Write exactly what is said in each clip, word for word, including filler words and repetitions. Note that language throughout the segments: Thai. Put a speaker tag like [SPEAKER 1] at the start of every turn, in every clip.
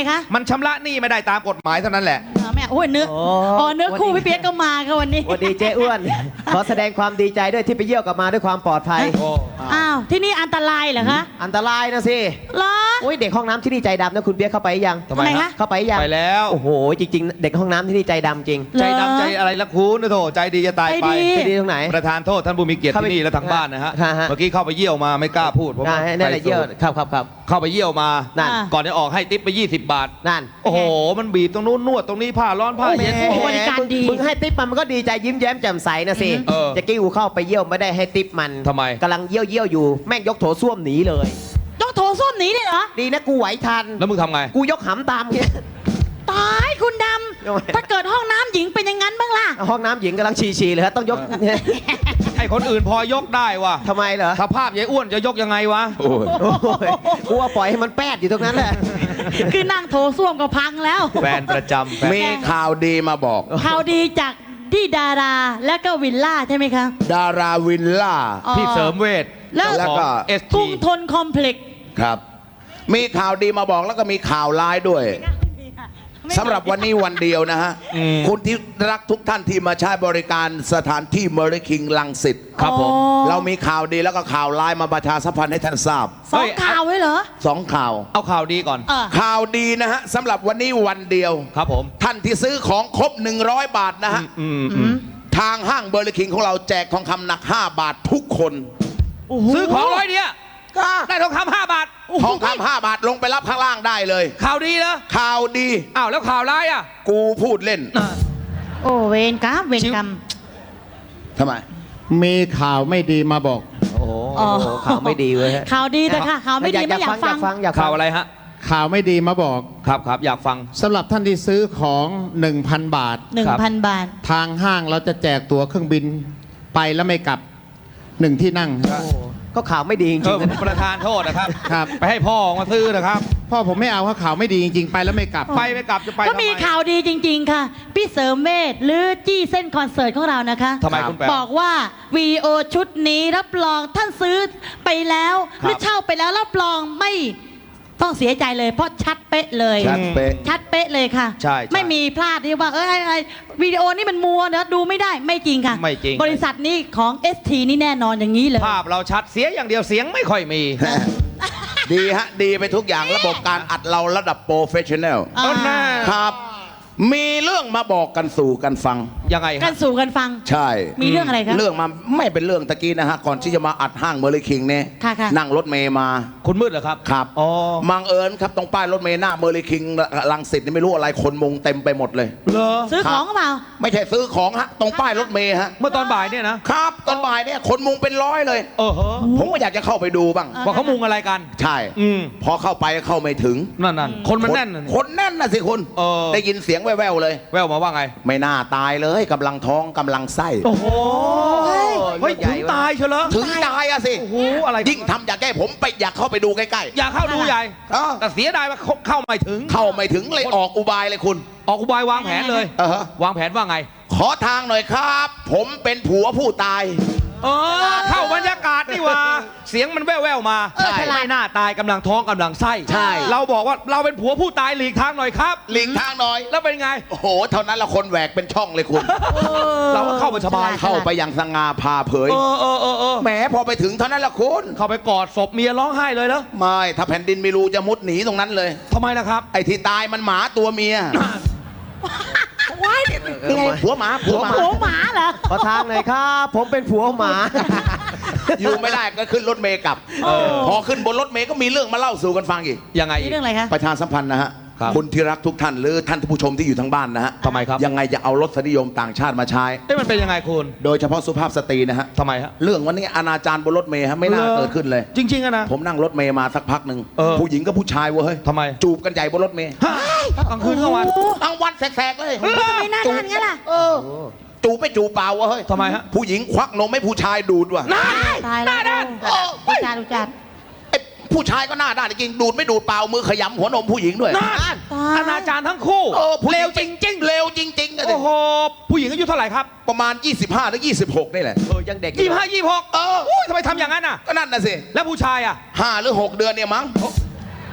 [SPEAKER 1] คะ
[SPEAKER 2] มันชำระหนี้ไม่ได้ตามกฎหมายเท่านั้นแหละ
[SPEAKER 1] แม่โอ้ยเนื้ออ๋อเนื้อคู่พี่เปียกก็มาค่ะวันนี้
[SPEAKER 3] วันดีเจ้อ้วน ขอแสดงความดีใจด้วยที่ไปเยี่ยวกลับมาด้วยความปลอดภัย
[SPEAKER 1] อ้าวที่นี่อันตรายเหรอคะ
[SPEAKER 3] อันตรายนะสิ
[SPEAKER 1] เหรอ
[SPEAKER 3] โอ้ยเด็กห้องน้ำที่นี่ใจดำนะคุณเปียกเข้าไปยัง
[SPEAKER 2] ทำไมฮะ
[SPEAKER 3] เข้าไปยัง
[SPEAKER 2] ไปแล้ว
[SPEAKER 3] โอ้โหจริงๆ เด็กห้องน้ำที่นี่ใจดำจริง
[SPEAKER 2] ใจดำใจอะไรละคุณนะโถใจดีจะตายไป
[SPEAKER 1] ใจดี
[SPEAKER 3] ใจดีตรงไหน
[SPEAKER 2] ประธานโทษท่านผู้มีเกียรติ
[SPEAKER 3] เข้าไป
[SPEAKER 2] ที่นี่และทางบ้านนะฮะ
[SPEAKER 3] ฮะฮะ
[SPEAKER 2] เมื่อกี้เข้าไปเยี่ยวมาไม่กล้าพูดเพราะว่า
[SPEAKER 3] อ่านั่นแหละเยี่ยวครับครับครับ
[SPEAKER 2] เข้าไปเยี่ยวมา
[SPEAKER 3] นั่น
[SPEAKER 2] ก่อนจะออกให้ติ๊บไปยี่สิบบาท
[SPEAKER 3] นั่น
[SPEAKER 2] โอ้โหมันบีบตรงนู้นนวดตรงนี้ผ้าร้อนผ้าเย็น
[SPEAKER 1] โอ้โหบริการดี
[SPEAKER 3] มึงให้ติ๊บมันมันก็ดีใจยิ้มแย้มแจ่มใสนะสิ
[SPEAKER 2] เออ
[SPEAKER 3] จะกี้กูเข้าไปเยี่ยวไม่ได้ให้ติ๊บมัน
[SPEAKER 2] ทำไม
[SPEAKER 3] กำลังเยี่ยวเยี่ยวอยู่แม่งยกโถส้วมหนีเลย
[SPEAKER 1] ต้องโถส้วมหนีเลยเหรอ
[SPEAKER 3] ดีนะกูไหวทัน
[SPEAKER 2] แล้วมึงทำไง
[SPEAKER 3] กูยกหำตามเงี้ย
[SPEAKER 1] ตายคุณด
[SPEAKER 3] ทำไม
[SPEAKER 1] ำถ้าเกิดห้องน้ำหญิงเป็นอย่างนั้นบ้างล่ะ
[SPEAKER 3] ห้องน้ำหญิงกำลังฉี่ๆเลยฮะต้องยก
[SPEAKER 2] ไอ้คนอื่นพอยกได้ว่ะ
[SPEAKER 3] ทำไมเหรอ
[SPEAKER 2] สภาพยายอ้วนจะยกยังไงวะ
[SPEAKER 3] โอ้ยกูว่าปล่อยให้มันแป๊ดอยู่ตรงนั้นแหละ
[SPEAKER 1] คือนั่งโถส้วมก็พังแล้ว
[SPEAKER 2] แฟนประจำแฟน
[SPEAKER 4] มีข่าวดีมาบอก
[SPEAKER 1] ข่าวดีจากที่ดาราและก็วิลล่าใช่ไหมคะ
[SPEAKER 4] ดาราวินล่า
[SPEAKER 1] อ๋อ
[SPEAKER 2] พี่เสริมเวท
[SPEAKER 1] แล้ว
[SPEAKER 4] แล้วก็
[SPEAKER 2] เอส
[SPEAKER 1] กรุ
[SPEAKER 2] ที
[SPEAKER 1] งทนคอมเพล็กซ์
[SPEAKER 4] ครับ มีข่าวดีมาบอกแล้วก็มีข่าวร้ายด้วยสำหรับวันนี้วันเดียวนะฮะ คุณที่รักทุกท่านที่มาใช้บริการสถานที่เมอริคิงลังสิต
[SPEAKER 2] ครับผม
[SPEAKER 1] อ๋อ
[SPEAKER 4] เรามีข่าวดีแล้วก็ข่าวร้ายมาประชาสัมพันธ์ให้ท่านทราบ
[SPEAKER 1] สองข่าวไว้เหรอ
[SPEAKER 4] สองข่าว
[SPEAKER 2] เอาข่าวดีก่อน
[SPEAKER 1] เออ
[SPEAKER 4] ข่าวดีนะฮะสำหรับวันนี้วันเดียว
[SPEAKER 2] ครับผม
[SPEAKER 4] ท่านที่ซื้อของครบหนึ่งร้อยบาทนะฮะ
[SPEAKER 2] อืมอืม
[SPEAKER 4] ทางห้างเบอร์ลิคิงของเราแจกทองคำหนักห้าบาททุกคน
[SPEAKER 2] ซื้อของร้อยเดียวได้ทองคำห้าบาท
[SPEAKER 4] ทองคำห้าบาทลงไปรับข้างล่างได้เลย
[SPEAKER 2] ข่าวดีเหรอ
[SPEAKER 4] ข่าวดี
[SPEAKER 2] อ้าวแล้วข่าวร้ายอ่ะ
[SPEAKER 4] กูพูดเล่น
[SPEAKER 1] โอ้เวรกรรมเวรกรรม
[SPEAKER 4] ทำไม
[SPEAKER 5] มีข่าวไม่ดีมาบอก
[SPEAKER 3] โอ้โห
[SPEAKER 1] อ๋อ
[SPEAKER 3] ข่าวไม่ดีเว้ยฮะ
[SPEAKER 1] ข่าวดีแต่ค่ะข่าวไม่ดีไม่อยากฟัง
[SPEAKER 3] อยากฟังอยากฟั
[SPEAKER 2] ข่าง วอะไรฮะ
[SPEAKER 5] ข่าวไม่ดีมาบอก
[SPEAKER 2] ครับครับอยากฟัง
[SPEAKER 5] สำหรับท่านที่ซื้อของ หนึ่งพัน บาท
[SPEAKER 1] หนึ่งพันบาท
[SPEAKER 5] ทางห้างเราจะแจกตั๋วเครื่องบินไปแล้วไม่กลับหนึ่งที่นั่ง
[SPEAKER 3] ก็ข่าวไม่ดีจ
[SPEAKER 2] เอ
[SPEAKER 3] ริ
[SPEAKER 2] อง
[SPEAKER 3] ๆนะ
[SPEAKER 2] ประธานโทษนะครับ
[SPEAKER 5] ครับ
[SPEAKER 2] ไปให้พ่อมาซื้อนะครับ
[SPEAKER 5] พ่อผมไม่เอาเพราะข่าวไม่ดีจริงๆ ไปแล้วไม่กลับ
[SPEAKER 2] ไปไม่กลับจะไป
[SPEAKER 1] ก็มี
[SPEAKER 2] ทำไ
[SPEAKER 1] ข่าวดีจริง ๆ ค่ะ พี่เสริมเวทหรือจี้เส้นคอนเสิร์ตของเรานะคะ
[SPEAKER 2] ทำไมคุณแปล
[SPEAKER 1] บอกว่าวีโอชุดนี้รับรองท่านซื้อไปแล้ว หรือเช่าไปแล้วรับรองไม่ต้องเสียใจเลย เพราะชัดเป๊ะเลย
[SPEAKER 4] ชัดเป๊ะ
[SPEAKER 1] ชัดเป๊ะเลยค่ะ
[SPEAKER 2] ใช่ใช่
[SPEAKER 1] ไม่มีพลาดที่ว่าเอ้ยไอ้วิดีโอนี่มันมัวนะดูไม่ได้ไม่จริงค่ะ
[SPEAKER 2] ไม่จริง
[SPEAKER 1] บริษัทนี้ของ เอส ที นี่แน่นอนอย่างนี้เลย
[SPEAKER 2] ภาพเราชัดเสียอย่างเดียวเสียงไม่ค่อยมี
[SPEAKER 4] ดีฮะ ดีไปทุกอย่างระบบการอัดเราระดับโปรเฟชชั่นแนล
[SPEAKER 1] อ่า
[SPEAKER 2] เอาหน้า
[SPEAKER 4] ครับ มีเรื่องมาบอกกันสู่กันฟัง
[SPEAKER 2] ยังไง
[SPEAKER 1] กั
[SPEAKER 2] ฮะ
[SPEAKER 1] นสู่กันฟัง
[SPEAKER 4] ใช่
[SPEAKER 1] มีเรื่องอะไรครับ
[SPEAKER 4] เรื่องมาไม่เป็นเรื่องตะกี้นะฮะ ก่อนที่จะมาอัดห้างเมอริคิงเนี่ย
[SPEAKER 1] ค่ะค่ะ
[SPEAKER 4] นั่งรถเมย์มา
[SPEAKER 2] คุณมืดเหรอครับ
[SPEAKER 4] ครับ
[SPEAKER 2] อ๋อ
[SPEAKER 4] มังเอิญครับตรงป้ายรถเมย์หน้าเมอริคิงลังสิตนี่ไม่รู้อะไรคนมุงเต็มไปหมดเลย
[SPEAKER 2] เหรอ
[SPEAKER 1] ซื้อของหรือเปล่า
[SPEAKER 4] ไม่ใช่ซื้อของฮะตรงป้ายรถเมย์ฮะ
[SPEAKER 2] เมื่อตอนบ่ายเนี่ยนะครับ
[SPEAKER 4] ตอนบ่ายเนี่ยคนมุงเป็นร้อยเลย
[SPEAKER 2] เออเหรอ
[SPEAKER 4] ผมก็อยากจะเข้าไปดูบ้าง
[SPEAKER 1] อ่ะ
[SPEAKER 2] ว่าเขามุงอะไรกัน
[SPEAKER 4] ใช่
[SPEAKER 2] อืม
[SPEAKER 4] พอเข้าไปเข้าไม่ถึง
[SPEAKER 2] นั่นนั่นคนมันแน่นน่ะ
[SPEAKER 4] คนแน่นนะสิคุณ
[SPEAKER 2] เออ
[SPEAKER 4] ได้ยินเสียงแว่วๆเลย
[SPEAKER 2] แววมาว่าไง
[SPEAKER 4] ไม่น่าตายเลยกำลังท้องกำลังไส้
[SPEAKER 2] โอ้โหเฮ้ยถึงตายเชียวเหรอ
[SPEAKER 4] ถึงตายอะสิ
[SPEAKER 2] โอ้โหอะไร
[SPEAKER 4] ยิ่งทำอยากแก้ผมไปอยากเข้าไปดูใกล้
[SPEAKER 2] อยากเข้าดูใหญ่
[SPEAKER 4] ๆเออ
[SPEAKER 2] แต่เสียดายว่าเข้าไม่ถึง
[SPEAKER 4] เข้าไม่ถึงเลยออกอุบายเลยคุณ
[SPEAKER 2] ออกอุบายวางแผนเลย
[SPEAKER 4] เออฮะ
[SPEAKER 2] วางแผนว่าไง
[SPEAKER 4] ขอทางหน่อยครับ ผมเป็นผัวผู้ตาย
[SPEAKER 2] เออเข้าบรรยากาศนี่หว่า เสียงมันแว่วๆมา
[SPEAKER 4] ใช่
[SPEAKER 2] ไม่น่าตายกำลังท้องกำลังไส้
[SPEAKER 4] ใช่
[SPEAKER 2] เราบอกว่าเราเป็นผัวผู้ตายหลีกทางหน่อยครับ
[SPEAKER 4] หลีกทางหน่อย
[SPEAKER 2] แล้วเป็นไง
[SPEAKER 4] โอ้โห เท่านั้นละคนแหวกเป็นช่องเลยคุณ
[SPEAKER 2] เราก็เข้าไปสบาย
[SPEAKER 4] เข้าไปอย่างสง่าผ่าเผย
[SPEAKER 2] เออเออเออเออ
[SPEAKER 4] แหมพอไปถึงเท่านั้นละคุณ
[SPEAKER 2] เข้าไปกอดศพเมียร้องไห้เลยเหรอ
[SPEAKER 4] ไม่ ถ้าแผ่นดินไม่รู้จะมุดหนีตรงนั้นเลย
[SPEAKER 2] ทำไมล่ะครับ
[SPEAKER 4] ไอ้ที่ตายมันหมาตัวเมีย
[SPEAKER 1] ว้าย
[SPEAKER 4] ยังไงผัวหมาผัวหมา
[SPEAKER 1] โอ้หมาเหรอ
[SPEAKER 3] ขอทางหน่อยครับ ผมเป็นผัวหมา
[SPEAKER 4] อยู่ไม่ได้ก็ขึ้นรถเมย์กลับ
[SPEAKER 1] เออ
[SPEAKER 4] พอขึ้นบนรถเมย์ก็มีเรื่องมาเล่าสู่กันฟังอีก
[SPEAKER 2] ยังไง
[SPEAKER 1] นี่เรื่องอะไรคะ
[SPEAKER 4] ประชาสัมพันธ์นะฮะ
[SPEAKER 2] ครับ
[SPEAKER 4] คุณที่รักทุกท่านหรือท่านผู้ชมที่อยู่ทางบ้านนะฮะ
[SPEAKER 2] ทำไมครับ
[SPEAKER 4] ยังไงจะเอารสนิยมต่างชาติมาใช้
[SPEAKER 2] เอ้ยมันเป็นยังไงคุณ
[SPEAKER 4] โดยเฉพาะสุภาพสตรีนะฮะ
[SPEAKER 2] ทำไมฮะ
[SPEAKER 4] เรื่องวันนี้อนาจารบนรถเมย์ฮะไม่น่า
[SPEAKER 2] เหรอ
[SPEAKER 4] เกิดขึ้นเลย
[SPEAKER 2] จริงๆอะนะ
[SPEAKER 4] ผมนั่งรถเมย์มาสักพักหนึ่ง
[SPEAKER 2] เออ
[SPEAKER 4] ผู้หญิงกับผู้ชายเว้ย
[SPEAKER 2] ทำไม
[SPEAKER 4] จูบกันใหญ่บนรถเมย์
[SPEAKER 2] ฮะกลางคืนกลางวัน
[SPEAKER 4] กลางวันแสกๆเลย
[SPEAKER 1] ทำไมหน้าด้านงั้นล่ะ
[SPEAKER 4] เออจูบไม่จูบเปล่าวะเฮ้ย
[SPEAKER 2] ทำไมฮะ
[SPEAKER 4] ผู้หญิงควักนมให้ผู้ชายดูดว่ะ
[SPEAKER 1] ตายแล้วดูจานดูจาน
[SPEAKER 4] ไอ้ผู้ชายก็หน้าด้านจริงดูดไม่ดูดเปล่ามือขยำหัวนมผู้หญิงด้วย
[SPEAKER 2] นั่นอนาจารทั้งคู่
[SPEAKER 4] เออผู้ห
[SPEAKER 2] เล
[SPEAKER 4] ญิ
[SPEAKER 2] วจริง
[SPEAKER 4] เลวจริงๆอะ
[SPEAKER 2] ๆ
[SPEAKER 4] สิ
[SPEAKER 2] โอ้โห ผู้หญิงอายุเท่าไหร่ครับ
[SPEAKER 4] ประมาณ ยี่สิบห้าถึงยี่สิบหกนี่แหละ
[SPEAKER 3] เออยังเด็กอ
[SPEAKER 2] ยี่ห้ายี่หก
[SPEAKER 4] เออ
[SPEAKER 2] อุ้ยทำไมทำอย่างนั้นอ่ะ
[SPEAKER 4] ก็นั่นน่ะสิ
[SPEAKER 2] แล้วผู้ชายอ่ะ
[SPEAKER 4] ห้าหรือหกเดือนเนี่ยมั้ง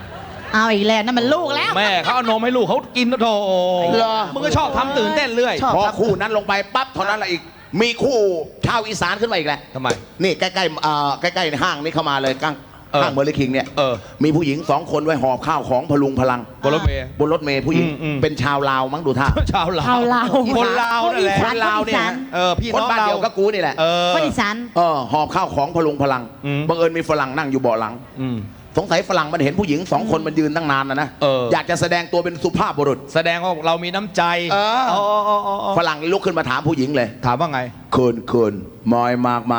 [SPEAKER 1] เอาอีกแล้วนั่นมันลูกแล้ว
[SPEAKER 2] แม่เขาเอานมให้ลูกเขากินนะโถ
[SPEAKER 4] เหรอ
[SPEAKER 2] มึงก็ชอบทำตื่นเต้นเรื่อย
[SPEAKER 3] ชอบ
[SPEAKER 4] พอคู่นั้นลงไปปั๊บเท่านั้นแหละอีก มีคู่ชาวอีสานขึ้นมาอีกแล้ว
[SPEAKER 2] ทำไม
[SPEAKER 4] นี่ใกล้ๆเอ่อใกล้ๆห้างนี่เข้ามาเลยก้าง
[SPEAKER 2] เออ
[SPEAKER 4] ห้างเมอร์ลิคิงเนี่ย
[SPEAKER 2] เออ
[SPEAKER 4] มีผู้หญิงสองคนไว้หอบข้าวของพลุงพลัง
[SPEAKER 2] บนรถเมย์
[SPEAKER 4] บนรถเมย์ผู้หญิง
[SPEAKER 2] อืมอืม
[SPEAKER 4] เป็นชาวลาวมั้งดูท่า
[SPEAKER 2] ชาวลาว
[SPEAKER 1] ชาวลาว
[SPEAKER 2] คนลาวนั่นแหละ
[SPEAKER 1] คนอีสาน
[SPEAKER 4] ลาวเนี่ย
[SPEAKER 1] คนอีสาน
[SPEAKER 2] เออพี่
[SPEAKER 4] คน
[SPEAKER 2] น้อง
[SPEAKER 4] บ้าน
[SPEAKER 2] เรา
[SPEAKER 4] เดียวกับกูนี่แหละ
[SPEAKER 2] เออ
[SPEAKER 1] คนอีสาน
[SPEAKER 4] เออหอบข้าวของพลุงพลัง
[SPEAKER 2] อืม
[SPEAKER 4] บังเอิญมีฝรั่งนั่งอยู่เบาะหลัง
[SPEAKER 2] อืม
[SPEAKER 4] สงสัยฝรั่งมันเห็นผู้หญิงสองคนมันยืนตั้งนานนะนะ
[SPEAKER 2] เออ
[SPEAKER 4] อยากจะแสดงตัวเป็นสุภาพบุรุษ
[SPEAKER 2] แสดงว่าเรามีน้ำใจ
[SPEAKER 4] เออ
[SPEAKER 2] อ๋ออ๋ออ๋ออ๋อ
[SPEAKER 4] ฝรั่งลุกขึ้นมาถามผู้หญิงเลย
[SPEAKER 2] ถามว่าไง
[SPEAKER 4] คุณคุณมอยมากไหม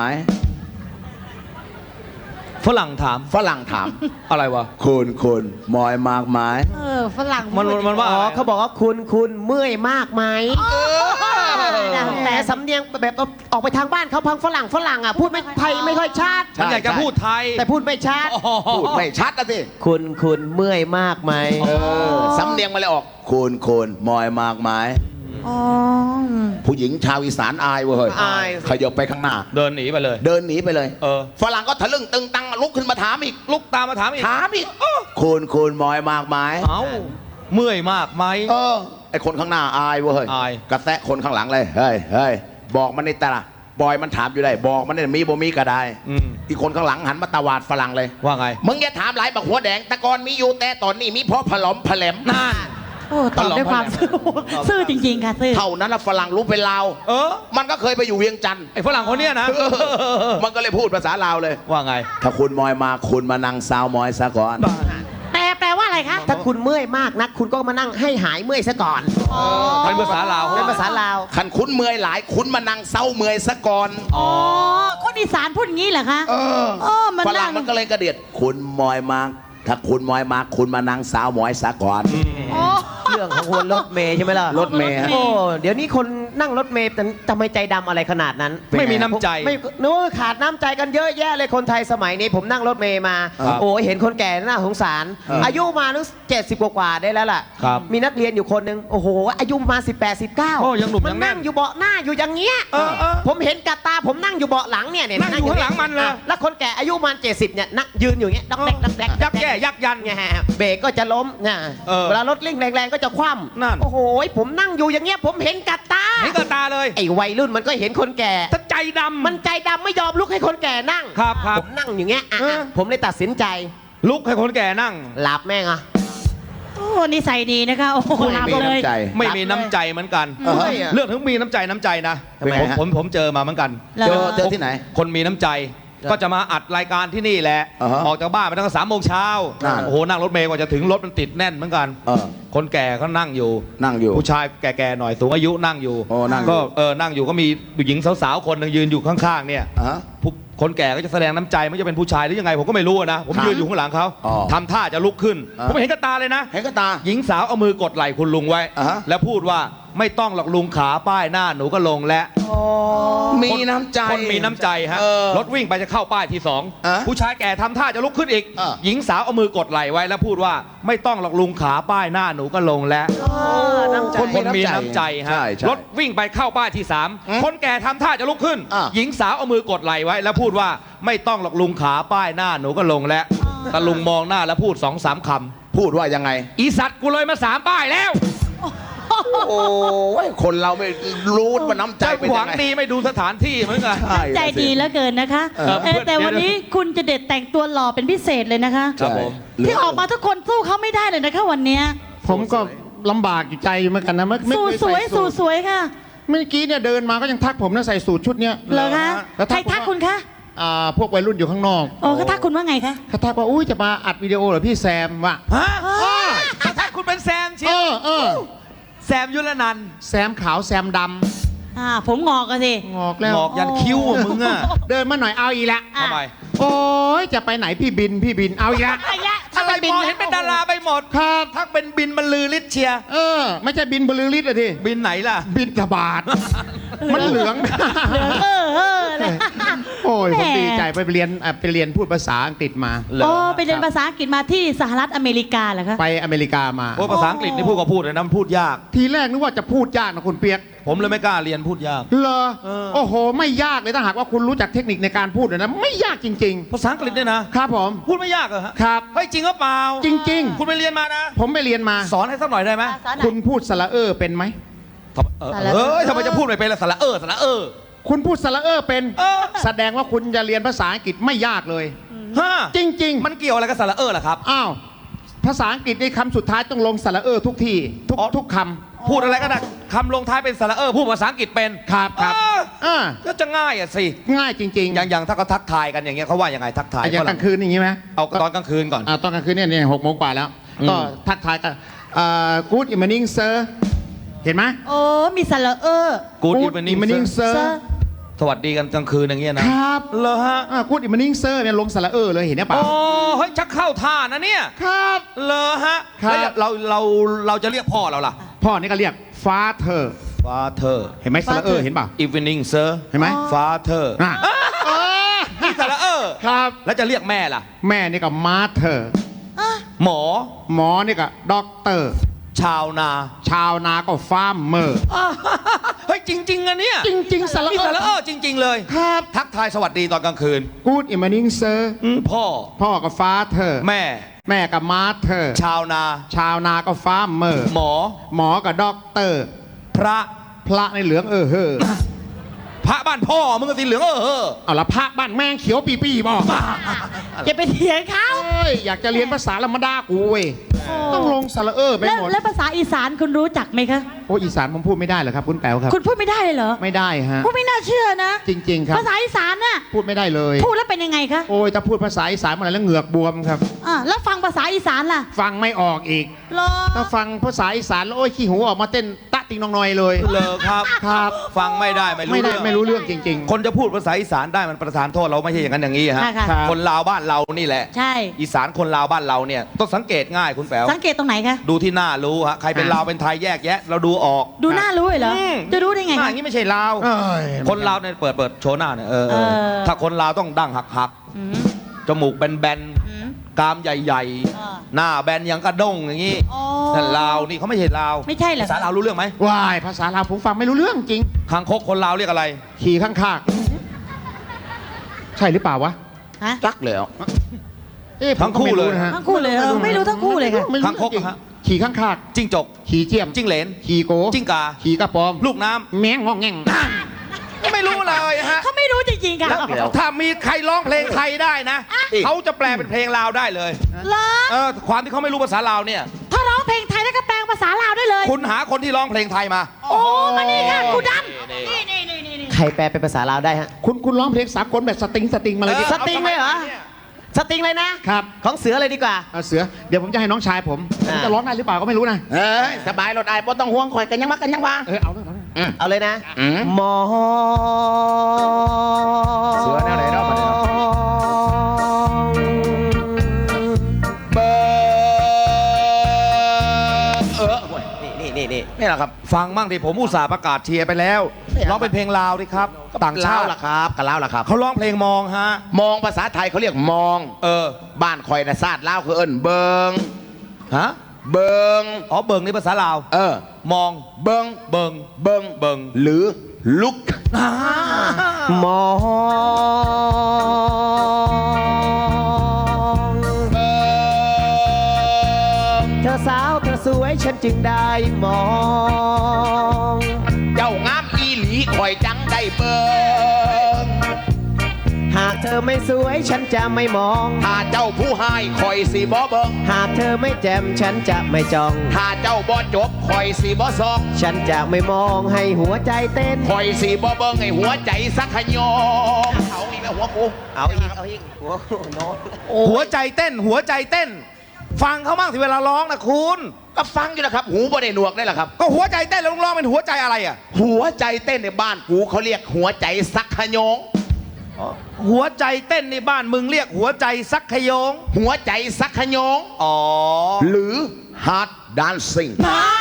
[SPEAKER 2] ฝรั่งถาม
[SPEAKER 4] ฝรั่งถาม
[SPEAKER 2] อะไรวะ
[SPEAKER 4] คุณคุณมอยมากไหม
[SPEAKER 1] เออฝรั่ง
[SPEAKER 2] มันมันว่า
[SPEAKER 3] อ๋อเขาบอกว่าคุณคุณเมื่อยมากไหม
[SPEAKER 1] แต่
[SPEAKER 3] แต่สำเนียงแบบออกไปทางบ้านเขาพังฝรั่งฝรั่งอ่ะพูดไม่ไทยไม่ค่อยชัด
[SPEAKER 2] มันอยากจะพูดไทย
[SPEAKER 3] แต่พูดไม่ชัด
[SPEAKER 2] อ๋อ
[SPEAKER 4] พูดไม่ชัดนะสิ
[SPEAKER 3] คุณคุณเมื่อยมากไหม
[SPEAKER 4] เออสำเนียงมาเลยออกคุณคุณมอยมากไหม
[SPEAKER 1] อ๋อ
[SPEAKER 4] ผู้หญิงชาวอีสานอายเว้ย
[SPEAKER 3] อาย
[SPEAKER 4] ขยับไปข้างหน้า
[SPEAKER 2] เดินหนีไปเลย
[SPEAKER 4] เดินหนีไปเลย
[SPEAKER 2] เออ
[SPEAKER 4] ฝรั่งก็ทะลึ่งตึงตังลุกขึ้นมาถามอีก
[SPEAKER 2] ลุกตามมาถามอีก
[SPEAKER 4] ถามอีกคุณคุณมอยมากไหม
[SPEAKER 2] เอ้าเมื่อยมากไหม
[SPEAKER 4] เออไอคนข้างหน้าอายเว้ย
[SPEAKER 2] อาย
[SPEAKER 4] กระแทะคนข้างหลังเลยเฮ้ยเฮ้ยบอกมันในตาบอยมันถามอยู่ได้บอกมันเนี่ยมีบ่มีก็ได้
[SPEAKER 2] อืม
[SPEAKER 4] อีกคนข้างหลังหันมาตวาดฝรั่งเลย
[SPEAKER 2] ว่าไง
[SPEAKER 4] มึงอย่าถามหลายบักหัวแดงแต่ก่อนมีอยู่แต่ตอนนี้มีเพราะผลอมผลม
[SPEAKER 2] นั่น
[SPEAKER 1] โอ้ตอบด้วยความซื่อซื่อจริงๆค่ะซื่อ
[SPEAKER 4] เท่านั้นละฝรั่งรู้เป็นลาว
[SPEAKER 2] เออ
[SPEAKER 4] มันก็เคยไปอยู่เวียงจันทร์
[SPEAKER 2] ไอ้ฝรั่งคนเนี้ยนะ
[SPEAKER 4] มันก็เลยพูดภาษาลาวเลย
[SPEAKER 2] ว่าไง
[SPEAKER 4] ถ้าคุณมอยมาคุณมานั่งซาวมอยซะก่อน
[SPEAKER 1] แปลแปลว่าอะไรคะ
[SPEAKER 3] ถ้าคุณเมื่อยมากนักคุณก็มานั่งให้หายเมื่อยซะก่อน
[SPEAKER 1] อ๋อ
[SPEAKER 2] เป็นภาษาลาว
[SPEAKER 3] เป็นภาษาลาว
[SPEAKER 4] ขันคุณเมื่อยหลายคุณมานั่งเศร้าเมื่อยซะก่อน
[SPEAKER 1] อ๋อคนอีสานพูดอย่างนี้เหรอคะ
[SPEAKER 4] เออ
[SPEAKER 1] เออมัน
[SPEAKER 4] ฝ
[SPEAKER 1] นั่
[SPEAKER 4] รั่ง
[SPEAKER 1] ง
[SPEAKER 4] มันก็เลยกระเดียดคุณมอยมาถ้าคุณมอยมาคุณมานั่งสาวมอยซะก่อน
[SPEAKER 1] โอ้
[SPEAKER 3] เรื่องของคนรถเมย์ใช่ไหมล่ะ
[SPEAKER 4] รถเมย์ฮะ
[SPEAKER 3] โอ้เดี๋ยวนี้คนนั่งรถเมย์แต่ทำไมใจดำอะไรขนาดนั้น
[SPEAKER 2] ไม่มีน้ำใจ
[SPEAKER 3] ไม่นู้ขาดน้ำใจกันเยอะแยะเลยคนไทยสมัยนี้ผมนั่งรถเมย์มา
[SPEAKER 2] ครับ
[SPEAKER 3] โอ้เห็นคนแก่น่าสงสาร
[SPEAKER 4] ครับ
[SPEAKER 3] อายุมานึกเจ็ดสิบกว่าๆได้แล้วล่ะ
[SPEAKER 2] ครับ
[SPEAKER 3] มีนักเรียนอยู่คนหนึ่งโอ้โห อายุประมาสิบแปดสิบเก้า
[SPEAKER 2] โอ้ยังหนุ่ม
[SPEAKER 3] มั
[SPEAKER 2] ยังแน่
[SPEAKER 3] นั่
[SPEAKER 2] น
[SPEAKER 3] งอยู่เบาะหน้าอยู่อย่างเงี้ย
[SPEAKER 2] เออเออ
[SPEAKER 3] ผมเห็นกับตาผมนั่งอยู่เบาะหลังเนี่ยเนี่ย
[SPEAKER 2] นั่งอยู่ข้างหลังมันเลย
[SPEAKER 3] อ่ะแล้วคนแก่อายุประมาณเจ็ดสิบเนี่ยนั่งยืนอยู่อย่างเงี้ยดักแดกดักแดก
[SPEAKER 2] ยักแย่ยักยัน
[SPEAKER 3] ไงฮะเบรกก็จะล้มนะ
[SPEAKER 2] เออ
[SPEAKER 3] เวลารถเร่งแรงๆก็จะคว่ำ
[SPEAKER 2] นั่น
[SPEAKER 3] โอ้โหผมนั่งอยู่อย่างเงี้ยผมเห็นกับตา
[SPEAKER 2] เห็นกับตาเลย
[SPEAKER 3] ไอ้วัยรุ่นมันก็เห็นคนแก่
[SPEAKER 2] ถ้าใจดำ
[SPEAKER 3] มันใจดำไม่ยอมลุกให้คนแก่นั่ง
[SPEAKER 2] ครับครับ
[SPEAKER 3] ผมนั่งอย่างเงี้ยอ่ะ
[SPEAKER 2] เออ
[SPEAKER 3] ผมเลยตัดสินใจ
[SPEAKER 2] ลุกให้คนแก่นั่ง
[SPEAKER 3] หลับแม่งอ่ะ
[SPEAKER 1] โอ้นิสัยดีนะคะโอ้โห
[SPEAKER 4] ไม่
[SPEAKER 1] หลับ
[SPEAKER 4] มี
[SPEAKER 1] เลย
[SPEAKER 4] น้ำใจ
[SPEAKER 2] ไม่มีน้ำใจเหมือนกัน
[SPEAKER 4] เออ
[SPEAKER 3] ไม่อะ
[SPEAKER 2] เรื่องถึงมีน้ำใจน้ำใจนะ
[SPEAKER 4] ทำไม
[SPEAKER 2] ผม
[SPEAKER 4] ฮะ
[SPEAKER 2] ผมผมเจอมาเหมือนกัน
[SPEAKER 1] แล้ว
[SPEAKER 4] เจอเจอที่ไหน
[SPEAKER 2] คนมีน้ำใจ ก็จะมาอัดรายการที่นี่แหละ
[SPEAKER 4] อ่าฮะ
[SPEAKER 2] ออกจากบ้านไปตั้งแต่สามโมงเช้า
[SPEAKER 4] นั่น
[SPEAKER 2] โอ้โหนั่งรถเมล์กว่าจะถึงรถมันติดแน่นเหมือนกัน
[SPEAKER 4] เออ
[SPEAKER 2] คนแก่เขานั่งอยู่
[SPEAKER 4] นั่งอยู่
[SPEAKER 2] ผู้ชายแก่ๆหน่อยสูงอายุนั่งอยู่
[SPEAKER 4] โอ้นั่งอยู่
[SPEAKER 2] ก็เออนั่งอยู่ก็มีผู้หญิงสาวๆคนหนึงยืนอยู่ข้างๆเนี่ย
[SPEAKER 4] อ่ะ
[SPEAKER 2] ผู้คนแก่ก็จะแสดงน้ำใจไม่ว่าจะเป็นผู้ชายหรือยังไงผมก็ไม่รู้อะนะ ผม
[SPEAKER 4] ครับ
[SPEAKER 2] ยืนอยู่ข้างหลังเขา
[SPEAKER 4] อ๋อ
[SPEAKER 2] ทำท่าจะลุกขึ้น
[SPEAKER 4] อ่า
[SPEAKER 2] ผมเห็นกับตาเลยนะ
[SPEAKER 4] เห็นกับตา
[SPEAKER 2] หญิงสาวเอามือกดไหล่คุณลุงไว้
[SPEAKER 4] อ่าฮะ
[SPEAKER 2] แล้วพูดว่าไม่ต้องหรอกลุงขาป้ายหน้าหนูก็ลงแล้ว
[SPEAKER 4] มีน้ำใจ
[SPEAKER 2] คนมีน้ำใจฮะ
[SPEAKER 4] เออ
[SPEAKER 2] รถวิ่งไปจะเข้าป้ายที่สอง
[SPEAKER 4] อ่ะ
[SPEAKER 2] ผู้ชายแก่ทำท่าจะลุกขึ้นอีก
[SPEAKER 4] เออ
[SPEAKER 2] หญิงสาวเอามือกดไหล่ไว้แล้วพูดว่าไม่ต้องหรอกลุงขาป้ายหน้าหนูก็ลงแล้ว
[SPEAKER 3] น้ำใจ
[SPEAKER 2] คนคนมีน้ำใจฮะ
[SPEAKER 4] ใช่ใช่
[SPEAKER 2] รถวิ่งไปเข้าป้ายที่สาม
[SPEAKER 4] อืม
[SPEAKER 2] คนแก่ทำท่าจะลุกขึ้น
[SPEAKER 4] อ่ะ
[SPEAKER 2] หญิงสาวเอามือกดไหล่ไว้ แล้วพูดว่าไม่ต้องหรอกลุงขาป้ายหน้าหนูก็ลงแล้วตะลุงมองหน้าแล้วพูดสองสามค
[SPEAKER 4] พูดว่ายังไง
[SPEAKER 2] ำอีสัตว์กูเลยมาสามป้ายแล้ว
[SPEAKER 4] โอ้ยคนเราไม่รู้ว่าน้ำใจ
[SPEAKER 2] ใจ
[SPEAKER 4] เป็น
[SPEAKER 2] หวั
[SPEAKER 4] ยัง งไง
[SPEAKER 2] ดีไม่ดูสถานที่เหมือนกัน
[SPEAKER 4] ใช่
[SPEAKER 1] ใจดีเหลือเกินนะคะ
[SPEAKER 2] เออ
[SPEAKER 1] เออแต่วันนี้คุณจะเด็ดแต่งตัวหล่อเป็นพิเศษเลยนะคะ
[SPEAKER 2] ครับผม
[SPEAKER 1] ที่ออกมาทุกคนสู้เขาไม่ได้เลยนะคะวันเนี้ย
[SPEAKER 5] ผมก็ลำบากอยู่ใจเหมือนกันนะไม่ไม่
[SPEAKER 1] สู้
[SPEAKER 5] เค
[SPEAKER 1] สวย
[SPEAKER 5] ใ
[SPEAKER 1] สู้สวยค่ะ
[SPEAKER 5] เมื่อกี้เนี่ยเดินมาก็ยังทักผมนะใส่สูทชุดเนี้ย
[SPEAKER 1] เหรอคะ
[SPEAKER 5] แล้ว
[SPEAKER 1] ใคร
[SPEAKER 5] ผม
[SPEAKER 1] ทัก
[SPEAKER 5] ว่า
[SPEAKER 1] คุณคะ
[SPEAKER 5] อ่าพวกวัยรุ่นอยู่ข้างนอก
[SPEAKER 1] โอ้เขาทักคุณว่าไงคะ
[SPEAKER 5] เขาทักว่าอุ้ยจะมาอัดวิดีโอเหรอพี่แซมวะ
[SPEAKER 2] ฮะถ้าคุณเป็นแซมเชี
[SPEAKER 5] เอ
[SPEAKER 2] ยว
[SPEAKER 5] อเออ
[SPEAKER 2] แซมยุรนันท์
[SPEAKER 5] แซมขาวแซมด
[SPEAKER 1] อ่าผมงอกกันสิ
[SPEAKER 5] ำงอกแล้ว
[SPEAKER 2] งอกยันคิ้วอะมึงอะ
[SPEAKER 5] เดินมาหน่อยเอาอีกละ
[SPEAKER 1] อ่ะ
[SPEAKER 2] ทำไม
[SPEAKER 5] โอ้ยจะไปไหนพี่บินพี่บินเอาอีกละ
[SPEAKER 1] ไอ้ยะ
[SPEAKER 2] อะไร
[SPEAKER 1] บิ
[SPEAKER 2] มองเห็นเป็นดาราไปหมด
[SPEAKER 5] ครับ
[SPEAKER 2] ทักเป็นบินบรรลือฤทธิ์เชียร์
[SPEAKER 5] เออ ไม่ใช่บินบลือฤทธิ์อะที
[SPEAKER 2] บินไหนล่ะ
[SPEAKER 5] บินทบาทมันเหลือง
[SPEAKER 1] เหลืองเออเออเลย
[SPEAKER 5] โอ้ยผม
[SPEAKER 1] แหม
[SPEAKER 5] ดีใจไปเรียนอ่ะไปเรียนพูดภาษาอังกฤษมา
[SPEAKER 1] โอ้ไปเรียนภาษาอังกฤษมาที่สหรัฐอเมริกาเหรอคะ
[SPEAKER 5] ไปอเมริกามา
[SPEAKER 2] โอ้ภาษาอังกฤษนี่พูดก็พูดเลยนะมันพูดยาก
[SPEAKER 5] ทีแรกนึกว่าจะพูดยากนะคุณเปียก
[SPEAKER 2] ผมเลยไม่กล้าเรียนพูดยาก
[SPEAKER 5] เหรอ
[SPEAKER 2] เออ
[SPEAKER 5] โอ้โห ไม่ยากเลยถ้าหากว่าคุณรู้จักเทคนิคในการพูดนะไม่ยากจริง
[SPEAKER 2] ภาษาอังกฤษเนี่ยนะ
[SPEAKER 5] ๆ ครับผม
[SPEAKER 2] พูดไม่ยากเหรอฮะ
[SPEAKER 5] ครับ
[SPEAKER 2] เฮ้ยจริงหรือเปล่า
[SPEAKER 5] จริง
[SPEAKER 2] คุณไปเรียนมานะ
[SPEAKER 5] ๆ ผมไปเรียนมา
[SPEAKER 2] สอนให้สักหน่อยได้ไหม
[SPEAKER 1] สอนหน่อย
[SPEAKER 5] คุณพูดสระเออเป็นไหม
[SPEAKER 2] ทำเออเฮ้ยทำไมจะพูดไม่เป็นละสระเออสระเออ
[SPEAKER 5] คุณพูดสระเออเป็น
[SPEAKER 2] เออ
[SPEAKER 5] แสดงว่าคุณจะเรียนภาษาอังกฤษไม่ยากเลย
[SPEAKER 2] ฮะ
[SPEAKER 5] จริง
[SPEAKER 2] มันเกี่ยวอะไรกับสระเออล่ะครับ
[SPEAKER 5] ๆ อ้าว ภาษาอังกฤษในคำสุดท้ายต้องลงสระเออทุกที่ทุก
[SPEAKER 2] อ๋อ
[SPEAKER 5] ทุกค
[SPEAKER 2] พูดอะไรก็ได้คำลงท้ายเป็นสระเออพูดภาษาอังกฤษเป็น
[SPEAKER 5] ำครับครับ
[SPEAKER 2] เออ
[SPEAKER 5] อ่า
[SPEAKER 2] ก็จะง่ายอ่ะสิ
[SPEAKER 5] ง่ายจริงๆ
[SPEAKER 2] อย่างอย่างถ้าเขาทักทายกันอย่างเงี้ยเขาว่ายังไงทักทาย
[SPEAKER 5] อ่ะอย่าง
[SPEAKER 2] ฝ
[SPEAKER 5] ก
[SPEAKER 2] รั่
[SPEAKER 5] ลางคืนอย่างนี้ไหม
[SPEAKER 2] เอาตอนกลางคืนก่อน
[SPEAKER 5] อ่าตอนกลางคืนเนี่ยเนี่ยหกโมงกว่าแล้ว
[SPEAKER 2] อืม
[SPEAKER 5] ก็ทักทายกันเอ่อ good evening sir เห็นไหม
[SPEAKER 1] โอ้มีสระเออ
[SPEAKER 2] Good
[SPEAKER 5] Good
[SPEAKER 2] evening
[SPEAKER 5] evening
[SPEAKER 2] sir
[SPEAKER 5] sir
[SPEAKER 2] สวัสดีกันกลางคืนอย่างเงี้ยนะครับ เหรอฮะ
[SPEAKER 5] อ่า good evening sir เนี่ยลงสระเออเลยเห็นไหมเปล่า
[SPEAKER 2] โอ้เฮ้ยชักเข้าท่านะเนี่ย
[SPEAKER 5] ครับ
[SPEAKER 2] เหรอฮะ
[SPEAKER 5] ครับ
[SPEAKER 2] แล้วเราเราเราจะเรียกพ่อเราล่ะ
[SPEAKER 5] พ่อนี่ก็เรียก father
[SPEAKER 2] Father
[SPEAKER 5] เห็นไหมสระเออเห็นเปล่า
[SPEAKER 2] Evening sir
[SPEAKER 5] เห็นไหม
[SPEAKER 2] Father
[SPEAKER 5] อ่ะเออ
[SPEAKER 2] นี่สระเออ
[SPEAKER 5] ครับ
[SPEAKER 2] แล้วจะเรียกแม่ล่ะ
[SPEAKER 5] แม่นี่ก็ mother
[SPEAKER 2] หมอ
[SPEAKER 5] หมอนี่ก็ doctor
[SPEAKER 2] ชาวนา
[SPEAKER 5] ชาวนาก็ farmer
[SPEAKER 2] อ่าเฮ้ยจริงๆอะเนี่ย
[SPEAKER 5] จริงๆสระ
[SPEAKER 2] นี่
[SPEAKER 5] เอ
[SPEAKER 2] สระเอ
[SPEAKER 5] อ
[SPEAKER 2] อจริง ๆ เลย
[SPEAKER 5] ครับ
[SPEAKER 2] ทักทายสวัสดีตอนกลางคืน
[SPEAKER 5] good evening sir
[SPEAKER 2] อืมพ่อ
[SPEAKER 5] พ่อก็ father
[SPEAKER 2] แม่
[SPEAKER 5] แม่ก็ mother
[SPEAKER 2] ชาวนา
[SPEAKER 5] ชาวนาก็ farmer
[SPEAKER 2] หมอ
[SPEAKER 5] หมอกับ doctor
[SPEAKER 2] พระ
[SPEAKER 5] พระในเหลืองเออเฮอ
[SPEAKER 2] พระบ้านพ่อมึงก็สีเหลืองเออเออ
[SPEAKER 5] เอาละพระบ้านแม่งเขียวปีปีบอก
[SPEAKER 1] อย่าไปเถียงเขา
[SPEAKER 5] เอ้ยอยากจะเรียนภาษาละมาดากูเว้ยต้องลงสระเออไป
[SPEAKER 1] แล้ว
[SPEAKER 5] หมด
[SPEAKER 1] แล้วภาษาอีสานคุณรู้จักไหมคะ
[SPEAKER 5] โอ้อีสานผมพูดไม่ได้เหรอครับคุณแป๋วครับ
[SPEAKER 1] คุณพูดไม่ได้เลยเหรอ
[SPEAKER 5] ไม่ได้ฮะ
[SPEAKER 1] พูดไม่น่าเชื่อนะ
[SPEAKER 5] จริง ๆ ครับ
[SPEAKER 1] ภาษาอีสานน่ะ
[SPEAKER 5] พูดไม่ได้เลย
[SPEAKER 1] พูดแล้วเป็นยังไงคะ
[SPEAKER 5] โอ้ยถ้าพูดภาษาอีสานมาแล้วเหงือกบวมครับ
[SPEAKER 1] อ่าแล้วฟังภาษาอีสานล่ะ
[SPEAKER 5] ฟังไม่ออกอีก
[SPEAKER 1] เหรอ
[SPEAKER 5] ถ้าฟังภาษาอีสานแล้วโอ้ยขี้หูออกมาเต้นตะติงนองนอยเลย
[SPEAKER 2] เลอครับ
[SPEAKER 5] ครับ
[SPEAKER 2] ฟังไม่ได้ไม่รู้
[SPEAKER 5] ไม่ได้
[SPEAKER 2] เรื่อง
[SPEAKER 5] ไม่รู้เรื่องจริง
[SPEAKER 2] คนจะพูดภาษาอีสานได้มันประทานโทษเราไม่ใช่อย่างนั้นอย่างนี้ฮะ
[SPEAKER 1] ค่ะค่ะ
[SPEAKER 5] ครับ
[SPEAKER 2] คนลาวบ้านเรานี่แหละ
[SPEAKER 1] ใช่
[SPEAKER 2] อีสานคนลาวบ้านเราเนี่ยต้องสังเกตง่ายคุณแป๋ว
[SPEAKER 1] สังเกตตรงไหนคะ
[SPEAKER 2] ดูที่หน้ารู้ฮะใครเป็น
[SPEAKER 5] อ่ะ
[SPEAKER 2] ลาวเป็นไทยแยกแยะ เราดูออก
[SPEAKER 1] ดูหน้ารู้เลยเหรอ
[SPEAKER 2] อืม
[SPEAKER 1] จะรู้ได้ไง
[SPEAKER 2] หน้า
[SPEAKER 1] คะ
[SPEAKER 2] อย่างนี้ไม่ใช่ลาว
[SPEAKER 5] ๆเอ้ย
[SPEAKER 2] คนลาวเนี่ยเปิดเปิดโชว์หน้าเนี่ยเออเออ
[SPEAKER 1] เออ
[SPEAKER 2] ถ้าคนลาวต้องดั้งหักหัก
[SPEAKER 1] อืม
[SPEAKER 2] ๆจมูกแบน
[SPEAKER 1] อืม
[SPEAKER 2] ๆกรามใหญ่
[SPEAKER 1] เออ
[SPEAKER 2] ๆ หน้าแบนอยังกระด้งอย่างนี้
[SPEAKER 1] อ๋อ
[SPEAKER 2] นั่นลาวนี่เขาไม่ใช่ลาว
[SPEAKER 1] ไม่ใช่เหรอ
[SPEAKER 2] ภาษาลาวรู้เรื่องไหม
[SPEAKER 5] วายภาษาลาวผมฟังไม่รู้เรื่องจริง
[SPEAKER 2] คางคกคนลาวเรียกอะไร
[SPEAKER 5] ขี่ข้างคากใช่หรือเปล่าวะ
[SPEAKER 1] ฮะ
[SPEAKER 4] จักแล้ว
[SPEAKER 5] เอ๊ะผม
[SPEAKER 2] ทั้งคู่
[SPEAKER 5] ก็ไม่รู้
[SPEAKER 2] เลย
[SPEAKER 5] นะฮะ
[SPEAKER 1] ทั้งคู่เลยเหรอไม่รู้ทั้งคู่เลยค่ะ
[SPEAKER 5] ไม่รู้
[SPEAKER 2] คางคก
[SPEAKER 5] จริง
[SPEAKER 2] อะฮะ
[SPEAKER 5] ขี่ข้างคาก
[SPEAKER 2] จิ้งจก
[SPEAKER 5] ขี่เจียม
[SPEAKER 2] จิ้งเหลน
[SPEAKER 5] ขี่โก
[SPEAKER 2] จิ้งกา
[SPEAKER 5] ขี่กระปอม
[SPEAKER 2] ลูกน้ำ
[SPEAKER 5] แมงงองแงง
[SPEAKER 2] ไม่รู้เลยฮะ
[SPEAKER 1] เขาไม่รู้จริงๆค่ะ
[SPEAKER 2] แล้วถ้ามีใครร้องเพลงไทยได้นะ เขาจะแปลเป็นเพลงลาวได้เลย
[SPEAKER 1] เหรอ
[SPEAKER 2] เออความที่เขาไม่รู้ภาษาลาวเนี่ย
[SPEAKER 1] ถ้าร้องเพลงไทยแล้วก็แปลงภาษาลาวได้เลย
[SPEAKER 2] คุณหาคนที่ร้องเพลงไทยมา
[SPEAKER 1] โอ้มานี่ค่ะครูดำนี่นี่นี่นี่นี่
[SPEAKER 3] ใครแปลเป็นภาษาลาวได้ฮะ
[SPEAKER 5] คุณคุณร้องเพลงสากลแบบสตริงสตริงมาเลยดิ
[SPEAKER 2] เออ
[SPEAKER 3] สตริงเลยเหรอ สตริงเลยนะ
[SPEAKER 5] ครับ
[SPEAKER 3] ของเสือเลยดีกว่า
[SPEAKER 5] เอาเสือเดี๋ยวผมจะให้น้องชายผมผม
[SPEAKER 3] อ่า
[SPEAKER 5] จะร้องได้หรือเปล่าก็ไม่รู้นะ
[SPEAKER 4] เอ้ยสบายรถไอ้บ่ต้องห่วงคอยกันยังมากันยังว่า
[SPEAKER 5] เออเอาเลยเอาเลย
[SPEAKER 3] เอาเลยนะ
[SPEAKER 4] อืม
[SPEAKER 3] มอ
[SPEAKER 4] เสือแนวไหนเนาะมาเนี่ย เบอร์เออห่วย
[SPEAKER 3] นี่นี่นี่
[SPEAKER 4] นี่แหละครับ
[SPEAKER 2] ฟังมั่งดิผมอุตส่าห์ประกาศเชียร์ไปแล้ว ร้องเป็นเพลงลาวดิครับ ต่างชาติ
[SPEAKER 4] ลวล่ะครับกันแล้วล่ะครับ
[SPEAKER 2] เขาร้องเพลงมองฮะ
[SPEAKER 4] มองภาษาไทยเขาเรียกมอง
[SPEAKER 2] เออ
[SPEAKER 4] บ้านคอยนะซาดลาวคือเอิ้นเบิง
[SPEAKER 2] ฮะ
[SPEAKER 4] เบิง
[SPEAKER 2] อ๋อเบิงนี่ภาษาลาว
[SPEAKER 4] เออ
[SPEAKER 2] มอง
[SPEAKER 4] เบิง
[SPEAKER 2] เบิง
[SPEAKER 4] เบิง
[SPEAKER 2] เบิง
[SPEAKER 4] หรือลุก
[SPEAKER 3] มอง
[SPEAKER 4] เบิง
[SPEAKER 3] เธอสาวเธอสวยฉันจึงได้มอง
[SPEAKER 4] เจ้างามอีหลีคอยจังได้เบิง
[SPEAKER 3] หากเธอไม่สวยฉันจะไม่มอง
[SPEAKER 4] ถ้าเจ้าผู้ให้คอยสีบ่เบิง
[SPEAKER 3] หากเธอไม่แจ่มฉันจะไม่จ้อง
[SPEAKER 4] ถ้าเจ้าบ่จบคอยสีบ่ซอก
[SPEAKER 3] ฉันจะไม่มองให้หัวใจเต้น
[SPEAKER 4] คอยสีบ่เบิงให้หัวใจสักขยองเอาอีกแล้วหัวกู
[SPEAKER 3] เอาอีกเอาอีกหัวโน้ต
[SPEAKER 2] หัวใจเต้น หัวใจเต้น ฟังเขาบ้างสิเวลาร้องนะคุณ
[SPEAKER 4] ก็ฟังอยู่นะครับ หูบ่ได้หนวกได้หรอครับ
[SPEAKER 2] ก็หัวใจเต้นแล้วร้องเป็นหัวใจอะไรอ่ะ
[SPEAKER 4] หัวใจเต้นในบ้านกูเขาเรียกหัวใจสักขยง
[SPEAKER 2] หัวใจเต้นในบ้านมึงเรียกหัวใจซักขยง
[SPEAKER 4] หัวใจสักขยง
[SPEAKER 2] อ๋อ
[SPEAKER 4] หรือ hard dancing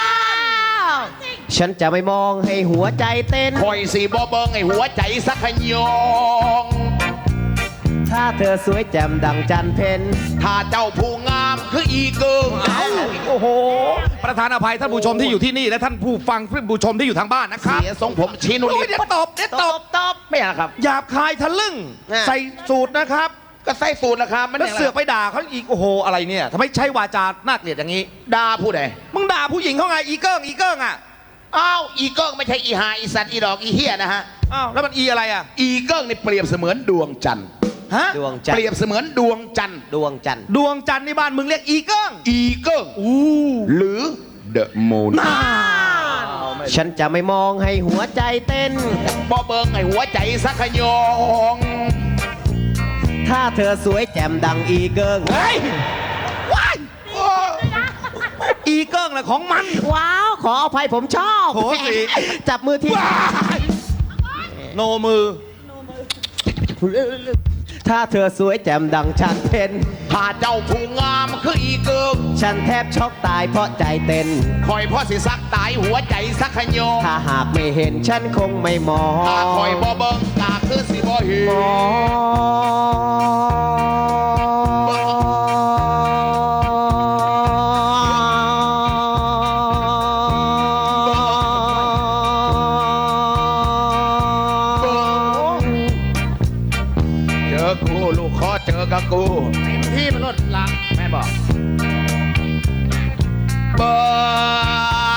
[SPEAKER 3] ฉันจะไม่มองให้หัวใจเต้น
[SPEAKER 4] คอยสีบ่เบิงให้หัวใจสักขยง
[SPEAKER 3] ถ้าเธอสวยแจ่มดังจันเพน
[SPEAKER 4] ถ้าเจ้าผู้งามคืออีเกิง
[SPEAKER 2] เอ้าโอ้โห ประธานอภัยท่านผู้ชมที่อยู่ที่นี่และท่านผู้ฟังผู้ชมที่อยู่ทางบ้านนะครับ
[SPEAKER 4] เสียทรงผมชี้นุ
[SPEAKER 2] โอ้ย
[SPEAKER 4] ลิ
[SPEAKER 2] เดี๋ยวตบเดี๋ยวตบ
[SPEAKER 3] ตบ
[SPEAKER 4] ไม่เอาครับ
[SPEAKER 2] หยาบคายทะลึ่ง
[SPEAKER 3] อ่ะ
[SPEAKER 2] ใส่สูตรนะครับ
[SPEAKER 4] ก็ใส่สูตรละครับมัน
[SPEAKER 2] แล้ว
[SPEAKER 4] ย่างไร
[SPEAKER 2] เสือกไปด่าเขาอีกโอ้โหอะไรเนี่ยทำไมใช้วาจาน่าเกลียดอย่างนี้
[SPEAKER 4] ด่าผู้ใด
[SPEAKER 2] มึงด่าผู้หญิงเขาไงอีเกิ้งอีเกิ้งอ่ะ
[SPEAKER 4] อ้าวอีเกิงไม่ใช่อีหาอีสัตว์อีดอกอีเฮียนะฮะ
[SPEAKER 2] อ้าวแล้วมันอีอะไรอ่ะ
[SPEAKER 4] อีเกิงนี่เปรียบเสมือนดวงจันทร์
[SPEAKER 2] ฮะ
[SPEAKER 3] ดวงจันท
[SPEAKER 4] เปรียบ
[SPEAKER 3] ร์
[SPEAKER 4] เสมือนดวงจันทร์
[SPEAKER 3] ดวงจันทร์
[SPEAKER 2] ดวงจันทร์ในบ้านมึงเรียกอีเกิ้ง
[SPEAKER 4] อีเกิง
[SPEAKER 2] อู้
[SPEAKER 4] หรือเดอะมูน
[SPEAKER 3] ฉันจะไม่มองให้หัวใจเต้น
[SPEAKER 4] บ่เบิงไอ้หัวใจสักขยอง
[SPEAKER 3] ถ้าเธอสวยแจ่มดังอีเกิง
[SPEAKER 2] เฮ้ยว้ายอีเกิ้งแหละของมัน
[SPEAKER 3] ว้าว ขออภัยผมชอบ
[SPEAKER 2] โหสิ
[SPEAKER 3] จับมือที่
[SPEAKER 2] ว้ายโนมือ
[SPEAKER 3] ถ้าเธอสวยแจ่มดังฉันเพ็น
[SPEAKER 4] ถ้าเจ้าผู้งามคืออีเกิง
[SPEAKER 3] ฉันแทบช็อกตายเพราะใจเต้น
[SPEAKER 4] คอยพ่อสิสักตายหัวใจสักขยอง
[SPEAKER 3] ถ้าหากไม่เห็นฉันคงไม่มอง
[SPEAKER 4] ถ้าคอยบ่เบิงกาคือสิบ่เห็น
[SPEAKER 3] มอง
[SPEAKER 4] เจอกูลูกขอเจอกับกู
[SPEAKER 5] ที่มันลดละ
[SPEAKER 4] แม่บอกเบอร์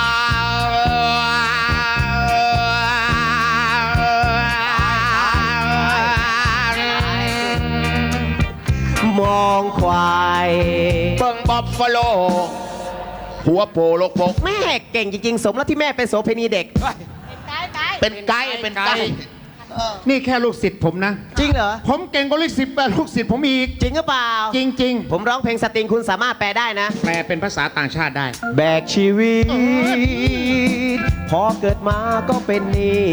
[SPEAKER 3] มองควาย
[SPEAKER 4] เบิ่งบัฟฟาโล หัวโปโลกปก
[SPEAKER 3] แม่เก่งจริงๆ สมแล้วที่แม่เป็นโสเภณีเด็ก
[SPEAKER 4] เป็นไกด์เป็นไกด์
[SPEAKER 5] นี่แค่ลูกศิษย์ผมนะ
[SPEAKER 3] จริงเหรอ
[SPEAKER 5] ผมเก่งกว่าลูกศิษย์ลูกศิษย์ผมอีก
[SPEAKER 3] จริงหรือเปล่า
[SPEAKER 5] จริง
[SPEAKER 3] ผมร้องเพลงสตริงคุณสามารถแปลได้นะ
[SPEAKER 5] ๆ แปลเป็นภาษาต่างชาติได้
[SPEAKER 3] แบกชีวิต พอเกิดมาก็เป็นหนี้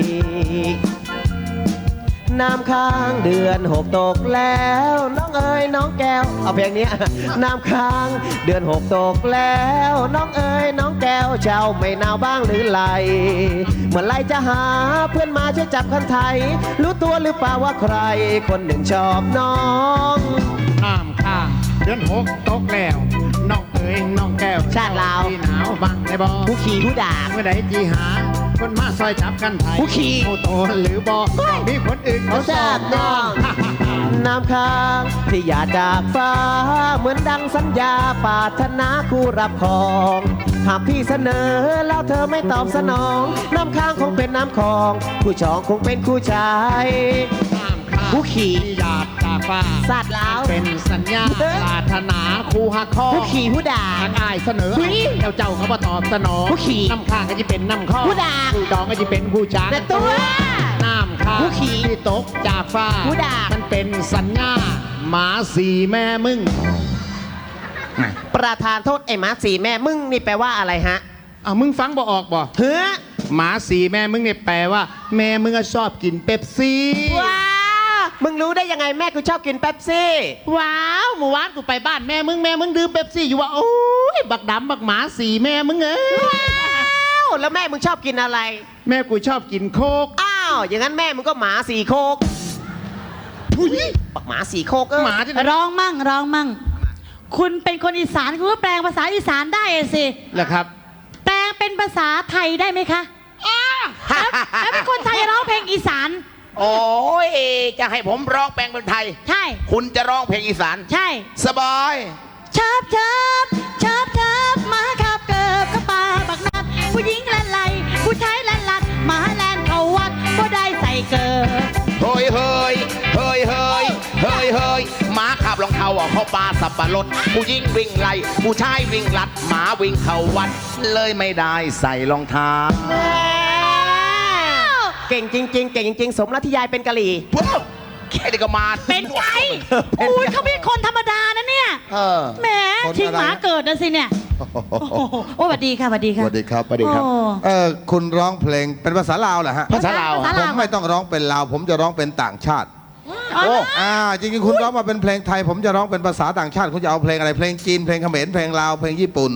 [SPEAKER 3] น้ำค้างเดือนหกตกแล้ว น้องเอ๋ยน้องแก้ว เอาเพลงนี้ น้ำค้างเดือนหกตกแล้ว น้องเอ๋ยน้องแก้วเจ้าไม่หนาวบ้างหรือไรเมื่อไรจะหาเพื่อนมาช่วยจับคันไทย รู้ตัวหรือเปล่าว่าใคร คนหนึ่งชอบน้อง
[SPEAKER 5] น้ำข้างเดือนหกตกแล้ว น้องเอ๋ยน้องแก้ว
[SPEAKER 3] ชาติลาว
[SPEAKER 5] ที่หนาวบังในบ่
[SPEAKER 3] ผู้ขี่ผู้ด่า
[SPEAKER 5] เมื่อใดจีหา คนมาซอยจับกันไทย
[SPEAKER 3] ผู้ขี่
[SPEAKER 5] ผู้โตหรือบ่มีคนอื่นเขา
[SPEAKER 3] เขาทราบน้อง น้ำค้างที่อย่าจากฟ้า เหมือนดังสัญญาปรารถนาคู่รับของ หากพี่เสนอแล้วเธอไม่ตอบสนอง น้ำค้างคงเป็นน้ำคลอง ผู้ชองคงเป็นคู่ชาย
[SPEAKER 5] น้ำข้าง
[SPEAKER 3] ผู้ขี่
[SPEAKER 5] ที่หยาดจากฟ้า
[SPEAKER 3] สาดลาว
[SPEAKER 5] เป็นสัญญา
[SPEAKER 3] เอ้ย
[SPEAKER 5] ปรารถนาคู่หักคอ
[SPEAKER 3] ผู้ขี่ผู้ด่า
[SPEAKER 5] ทางอายเสนอ
[SPEAKER 3] ผู้หญิง
[SPEAKER 5] แล้วเจ้าเขามาตอบสนอง
[SPEAKER 3] ผู้ขี่
[SPEAKER 5] น้ำข้างก็จะเป็นน้ำข้อ
[SPEAKER 3] ผู้ด่า
[SPEAKER 5] ผู้ดองก็จะเป็นผู้จาง
[SPEAKER 3] แต่ตัว
[SPEAKER 5] น้ำข้าง
[SPEAKER 3] ผู้ขี่
[SPEAKER 5] ที่ตกจากฟ้า
[SPEAKER 3] ผู้ด่ามั
[SPEAKER 5] มันเป็นสัญญาหมาสีแม่มึง
[SPEAKER 3] ประธานโทษไอ้หมาสีแม่มึงนี่แปลว่าอะไรฮะ
[SPEAKER 5] อ่ะมึงฟังบ่ออกบ่
[SPEAKER 3] เฮ้อ
[SPEAKER 5] หมาสีแม่มึงเนี่ยแปลว่า แม่มึงอะชอบกินเป๊ปซี่
[SPEAKER 3] ว้าว มึงรู้ได้ยังไงแม่กูชอบกินเป๊ปซี่
[SPEAKER 5] ว้าวเมื่อวานกูไปบ้านแม่มึงแม่มึงดื่มเป๊ปซี่อยู่ว่าโอ้ยบักดำบักหมาสีแม่มึงเอ้ย
[SPEAKER 3] ว้าวแล้วแม่มึงชอบกินอะไร
[SPEAKER 5] แม่กูชอบกินโคก
[SPEAKER 3] อ้าว อย่างนั้นแม่มึงก็หมาสีโคก
[SPEAKER 5] ทุย
[SPEAKER 3] ปักหมาสีโคกเออ
[SPEAKER 5] หมาที่ไหน
[SPEAKER 1] ร้องมั่งร้องมั่ง คุณเป็นคนอีสานคุณก็แปลงภาษาอีสานได้สิ
[SPEAKER 5] เหรอครับ
[SPEAKER 1] แปลงเป็นภาษาไทยได้ไหมคะแล้วแล้วเป็นคนไทยร้องเพลงอีสาน
[SPEAKER 4] โอ้ยจะให้ผมร้องแปลงเป็นไทย
[SPEAKER 1] ใช่
[SPEAKER 4] คุณจะร้องเพลงอีสาน
[SPEAKER 1] ใช่
[SPEAKER 4] สบาย
[SPEAKER 1] ชอบชอบชอบชอบหมาขับเกิบเข้าป่าบักนัดผู้หญิงแลนไหลผู้ชายแลนลัดหมาแลนเข้าวัดก็ได้ใส่เกิบ
[SPEAKER 4] เฮ้ยเฮ้ยเฮ้ยเฮ้ยเฮ้ยเฮ้ยหมาขับรองเท้าอ่ะเข้าป่าสับปะรดผู้หญิงวิ่งไล่ผู้ชายวิ่งลัดหมาวิ่งเข้าวัด เลยไม่ได้ใส่รองเท้า
[SPEAKER 3] เก่งจริง ๆ เก่งจริง ๆ สมแล้วที่ยายเป็นกะหรี่
[SPEAKER 4] ว้าวแค่นี้ก็มา
[SPEAKER 1] เป็นไงอุ้ยเขาเป็นคนธรรมดานะเนี่ย
[SPEAKER 4] เออ
[SPEAKER 1] แหมชิงหมาเกิดนะสิเนี่ยโอ้โหโอ้สวัสดีค่ะสวัสดี
[SPEAKER 6] ส
[SPEAKER 1] ค่ะ
[SPEAKER 6] วัสดีครับสวัสดีครับ
[SPEAKER 1] โอ้
[SPEAKER 6] เออคุณร้องเพลงเป็นภาษาลาวเหรอฮะ
[SPEAKER 4] ภาษาลาว
[SPEAKER 1] ภาษา
[SPEAKER 6] ผ
[SPEAKER 1] ลาว
[SPEAKER 6] มไม่ต้องร้องเป็นลาว ผมจะร้องเป็นต่างชาติ
[SPEAKER 1] โอ้
[SPEAKER 6] อ่าจริงๆคุณร้องมาเป็นเพลงไทย ผมจะร้องเป็นภาษาต่างชาติ คุณจะเอาเพลงอะไรเพลงจีนเพลงเขมรเพลงลาวเพลงญี่ปุ่น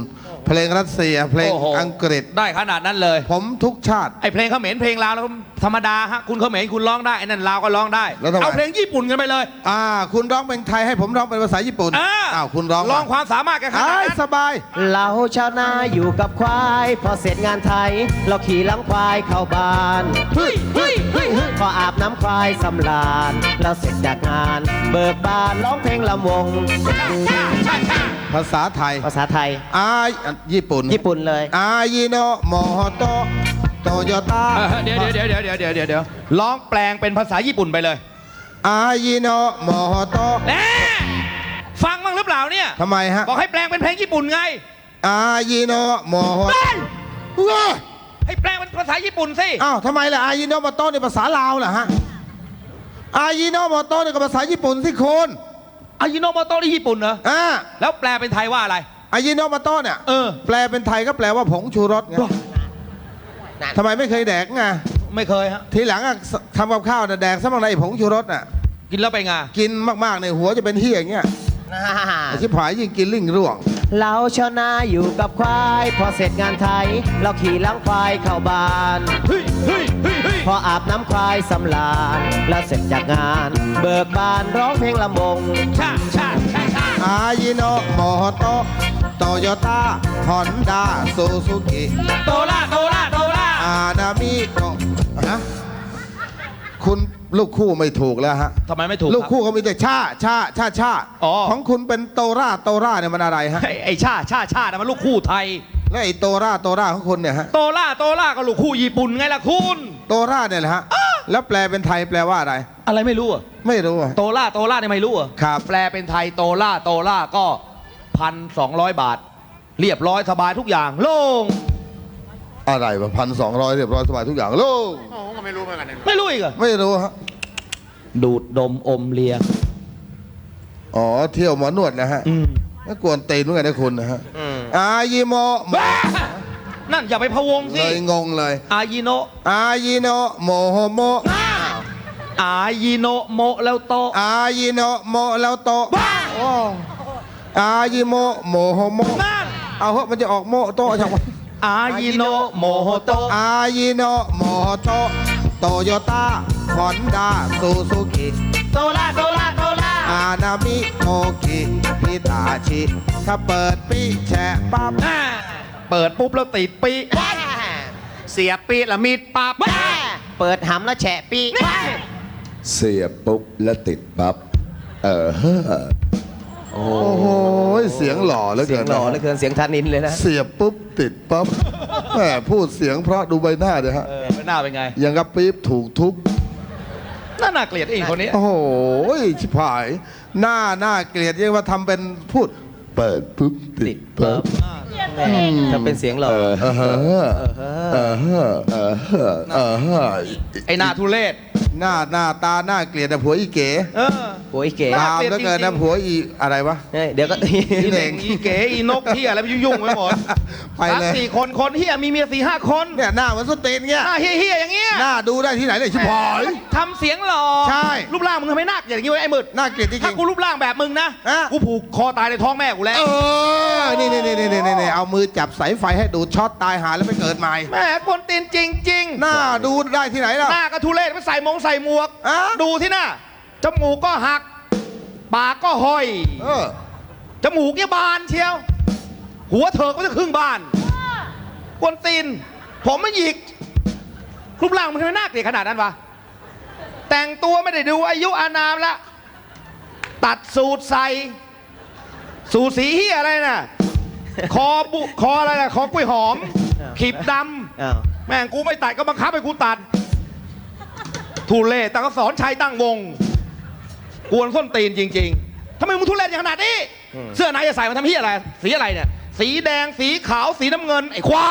[SPEAKER 6] เพลงรัสเซีย เพลง
[SPEAKER 2] โอ้โห
[SPEAKER 6] อังกฤษ
[SPEAKER 2] ได้ขนาดนั้นเลย
[SPEAKER 6] ผมทุกชาติ
[SPEAKER 2] ไอเพลงเขมรเพลงลาวแล้วธรรมดาฮะคุณเขมรคุณร้องได้ไอ้นั่นลาวก็ร้องได้
[SPEAKER 6] แล้วทำไม
[SPEAKER 2] เอาเพลงญี่ปุ่นกันไปเลย
[SPEAKER 6] อ่า คุณร้องเป็นไทยให้ผมร้องเป็นภาษาญี่ปุ่น
[SPEAKER 2] อ่า
[SPEAKER 6] อ้าวคุณร้อง
[SPEAKER 2] ลองความสามารถกันขนาด
[SPEAKER 6] อ้าย
[SPEAKER 2] นั้น
[SPEAKER 6] สบาย
[SPEAKER 3] เราชาวนาอยู่กับควาย พอเสร็จงานไทย เราขี่หลังควายเข้าบ้าน
[SPEAKER 2] เฮ้ยเฮ้ยเฮ้ยเฮ้ย
[SPEAKER 3] พออาบน้ำควายสำราญเราเสร็จจากงาน เบิกบานร้องเพลงลำวง
[SPEAKER 6] ภาษาไทย
[SPEAKER 3] ภาษาไทย
[SPEAKER 6] อายญี่ปุ่น
[SPEAKER 3] ญี่ปุ่นเลย
[SPEAKER 6] อายิโนโมโฮโตโตโยต้า
[SPEAKER 2] เออเดี๋ยวเดี๋ยวเดี๋ยวเดี๋ยวเดี๋ยวเดี๋ยวเดี๋ยวร้องแปลงเป็นภาษาญี่ปุ่นไปเลย
[SPEAKER 6] อายิโนโมโฮโต
[SPEAKER 2] แน่ฟังบ้างหรือเปล่าเนี่ย
[SPEAKER 6] ทำไมฮะ
[SPEAKER 2] บอกให้แปลงเป็นเพลงญี่ปุ่นไง
[SPEAKER 6] อายิโนโมโฮ
[SPEAKER 2] เฮ้ย
[SPEAKER 6] ว้า
[SPEAKER 2] ให้แปลงเป็นภาษาญี่ปุ่นสิ
[SPEAKER 6] อ้าวทำไมล่ะอายิโนโมโตในภาษาลาวเหรอฮะอายิโนโมโตในภาษาญี่ปุ่นสิคุณ
[SPEAKER 2] อายิโนโมโตะที่ญี่ปุ่นเหรอ
[SPEAKER 6] อ่า
[SPEAKER 2] แล้วแปลเป็นไทยว่าอะไร
[SPEAKER 6] อายิโนโมโตเนี่ย
[SPEAKER 2] เออ
[SPEAKER 6] แปลเป็นไทยก็แปลว่าผงชูรสไงทำไมไม่เคยแดกไง
[SPEAKER 2] ไม่เคยฮะ
[SPEAKER 6] ทีหลังอะทำกับข้าวน่ะแดกซะบ้างนะไอ้ผงชูรสน่ะ
[SPEAKER 2] กินแล้วไปไง
[SPEAKER 6] กินมากๆในยหัวจะเป็นเฮียอย่างเงี้ยไอ้ชิบหายยิ่งกินลิ่งร่วง
[SPEAKER 3] เราชาวนาอยู่กับควาย พอเสร็จงานไทย เราขี่หลังควายเข้าบ้าน
[SPEAKER 2] เฮ้ยเฮ้ยเฮ้ยเฮ้ย
[SPEAKER 3] พออาบน้ำควายสำราญแล้วเสร็จจากงาน เบิกบานร้องเพลงลำวง
[SPEAKER 2] ชาชาชาชา
[SPEAKER 6] อายิโนโมโตโตโยต้าฮอนด้าซูซูกิ
[SPEAKER 2] โตล่าโตล่าโตล่า
[SPEAKER 6] อานามิโกฮะคุณลูกคู่ไม่ถูกแล้วฮะ
[SPEAKER 2] ทำไมไม่ถูก
[SPEAKER 6] ลูก
[SPEAKER 2] รับ
[SPEAKER 6] คู่เขามีแต่ชาชาชาชา
[SPEAKER 2] อ๋อ
[SPEAKER 6] ของคุณเป็นโตราโตราเนี่ยมันอะไรฮะ
[SPEAKER 2] ไอ้ไอ้ชาชาชานะมันลูกคู่ไทย
[SPEAKER 6] แล้วไอ้โตราโตราของคุณเนี่ยฮะ
[SPEAKER 2] โตล่าโตล่าก็ลูกคู่ญี่ปุ่นไงล่ะคุณ
[SPEAKER 6] โตราเนี่ยแหละฮะแล้วแปลเป็นไทยแปลว่าอะไร
[SPEAKER 2] อะไรไม่รู้อะ
[SPEAKER 6] ไม่รู้อะ
[SPEAKER 2] โตล่าโตล่าเนี่ยไม่รู้อะ
[SPEAKER 6] ครับ
[SPEAKER 2] แปลเป็นไทยโตล่าโตล่าก็พันสองร้อยบาท เรียบร้อยสบายทุกอย่าง โล่ง
[SPEAKER 6] อะไรวะพันสองร้อยเรียบร้อยสบายทุกอย่างโลูก
[SPEAKER 2] ไม่รู้อีกเหรอะ
[SPEAKER 6] ไม่รู้ฮะ
[SPEAKER 2] ดูดดมอมเลีย
[SPEAKER 6] อ๋อเที่ยวหมอนวดนะฮะ
[SPEAKER 2] อืม
[SPEAKER 6] แล้วกวนตีนเหมือนกันนะคุณนะฮะอายิโม
[SPEAKER 2] บ้านั่นอย่าไปพะวงสิ
[SPEAKER 6] เลยงงเลย
[SPEAKER 2] อายิโน
[SPEAKER 6] อายิโนโมโฮโม
[SPEAKER 2] อายิโนโมแล้วโต
[SPEAKER 6] อายิโนโมแล้วโต
[SPEAKER 2] บ้า
[SPEAKER 6] โอ้อายิโมโมโฮโม
[SPEAKER 2] นั่น
[SPEAKER 6] เอาเหอะมันจะออกโมโตจังวะ
[SPEAKER 2] อายิโนโมโฮโต
[SPEAKER 6] อายิโนโมโตโตโยต้าฮอนด้าซูซูกิ
[SPEAKER 2] โตล่าโตล่าโตล่า
[SPEAKER 6] อานามิโอกิฮิตาชิถ้าเปิดปีแฉะปั๊บ
[SPEAKER 2] อ่าเปิดปุ๊บแล้วติดปีเสียบปีละมีดปับ
[SPEAKER 3] เปิดหำแล้วแฉะปี
[SPEAKER 7] เสียบปุ๊บแล้วติดปั๊บ เออเฮ้อ
[SPEAKER 6] โอ้โหเสียงหล่อเหลือ
[SPEAKER 3] เสี
[SPEAKER 6] เกิ
[SPEAKER 3] ยง
[SPEAKER 6] น
[SPEAKER 3] หล่อเหลือเกินเสียงธานินเลยนะ
[SPEAKER 6] เสียบปุ๊บติดปั๊บแหมพูดเสียงเพราะดูใบหน้าเดี๋ยฮะ
[SPEAKER 2] เออหน้าเป็นไง
[SPEAKER 6] ยังกับปี๊บถูกทุบ
[SPEAKER 2] น่าน่าเกลียดอีกคนนี้
[SPEAKER 6] โอ้โหชิบหาย หน้าหน้าเกลียดยังว่าทำเป็นพูด เปิดปุ๊บติดปั๊บ
[SPEAKER 3] จะเป็นเสียงหล่อ
[SPEAKER 6] เออเออเออเออเออเออ
[SPEAKER 2] ไอ้หน้าทุเรศ
[SPEAKER 6] หน้าหน้าตาหน้าเกลียดแต่ผัวอีเก๋
[SPEAKER 2] เออ
[SPEAKER 3] โอ้ยเก๋
[SPEAKER 2] น่า
[SPEAKER 6] ตาม
[SPEAKER 2] เกลียด
[SPEAKER 6] แล้วเกิน
[SPEAKER 2] จริ
[SPEAKER 6] นะ
[SPEAKER 2] งๆ
[SPEAKER 6] ผัวอีอะไรวะ
[SPEAKER 3] เฮ้ยเดี๋ยวก็
[SPEAKER 2] อีเหน่งอีเก๋อีนกที่อะไรไปยุ่งๆไปหมด
[SPEAKER 6] ไปเลย
[SPEAKER 2] สามสี่คนคนเฮียมีเมียสี่ห้าคน
[SPEAKER 6] เนี่ยหน้าเหมือนสเตนเงี้ย
[SPEAKER 2] หน้าเฮียๆอย่างเงี้ย
[SPEAKER 6] หน้าดูได้ที่ไหนเลยชิบหาย
[SPEAKER 2] ทำเสียงหล่อ
[SPEAKER 6] ใช่
[SPEAKER 2] รูปร่างมึงทำไมหน้าเกลียดอย่างงี้วะไอ้มืด
[SPEAKER 6] หน้าเกลียดจริ
[SPEAKER 2] ถ้าง กูรูปร่างแบบมึงนะ
[SPEAKER 6] อ่ะ
[SPEAKER 2] กูผูกคอตายในท้องแม่กูแล้ว
[SPEAKER 6] ๆเออนี่นี่นี่นี่นี่เอามือจับสายไฟให้ดูดช็อตตายหาแล้วไปเกิดใหม่
[SPEAKER 2] แม่คนตีนจริง
[SPEAKER 6] หน้าดูได้ที่ไหนล่ะ
[SPEAKER 2] ๆ หน้ากระทุเรศไปใส่มงใส่หมวก
[SPEAKER 6] อ่ะ
[SPEAKER 2] ดูที่หน้าจมูกก็หัก ปากก็ห้อย
[SPEAKER 6] เออ
[SPEAKER 2] จมูกเนี่ยบานเชียว หัวเถิกก็จะครึ่งบานกวนตีน ผมมันหยิกรูปร่างมันทำไมน่าเกลียดขนาดนั้นวะ แต่งตัวไม่ได้ดูอายุอานามละ ตัดสูตรใส่ สูตรสีเฮียอะไรน่ะ คอบุคออะไรน่ะ คอกล้วยหอม ขีบด
[SPEAKER 3] อ้าว
[SPEAKER 2] ำ แม่งกูไม่ตัดก็บังคับให้กูตัด ทุเรศแต่ก็สอนชัยตั้งวง กวนส้นตีนจริงๆทำไมมึงทุเรศอย่างขนาดนี้ เสื้อไหนจะใส่มาทำเฮียอะไร สีอะไรเนี่ย สีแดง สีขาว สีน้ำเงิน ไอ้ควาย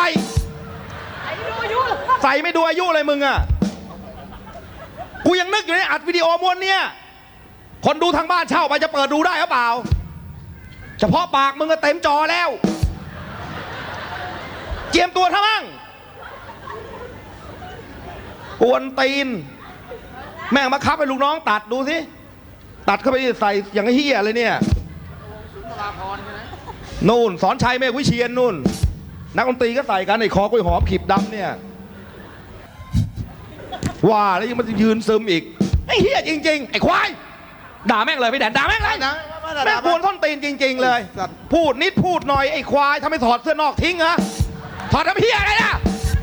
[SPEAKER 2] ใส่ไม่ดูอายุเลยมึงอะกูยังนึกอยู่ในอัดวิดีโอม้วนเนี่ย คนดูทางบ้านเช่าไปจะเปิดดูได้หรือเปล่า เฉพาะปากมึงก็เต็มจอแล้ว เจียมตัวทั้งมั่งกวนตีน แม่งมาคับให้ลูกน้องตัดดูสิ ตัดเข้าไปใส่อย่างเฮียเลยเนี่ย นู่นสอนชัยเมฆวิเชียนนู่นนักดนตรีก็ใส่กันไอ้คอกล้วยหอมขีบดำเนี่ยว่าแล้วยังมันจะยืนซึมอีกไอ้เฮียจริงๆไอ้ควายด่าแม่งเลยพี่แดนด่าแม่งเลยแม่งกวนส้นตีนจริง ๆ เลย พูดนิดพูดหน่อยไอ้ควายทำไมถอดเสื้อนอกทิ้งเหรอถอดทำเฮียอะไรนะ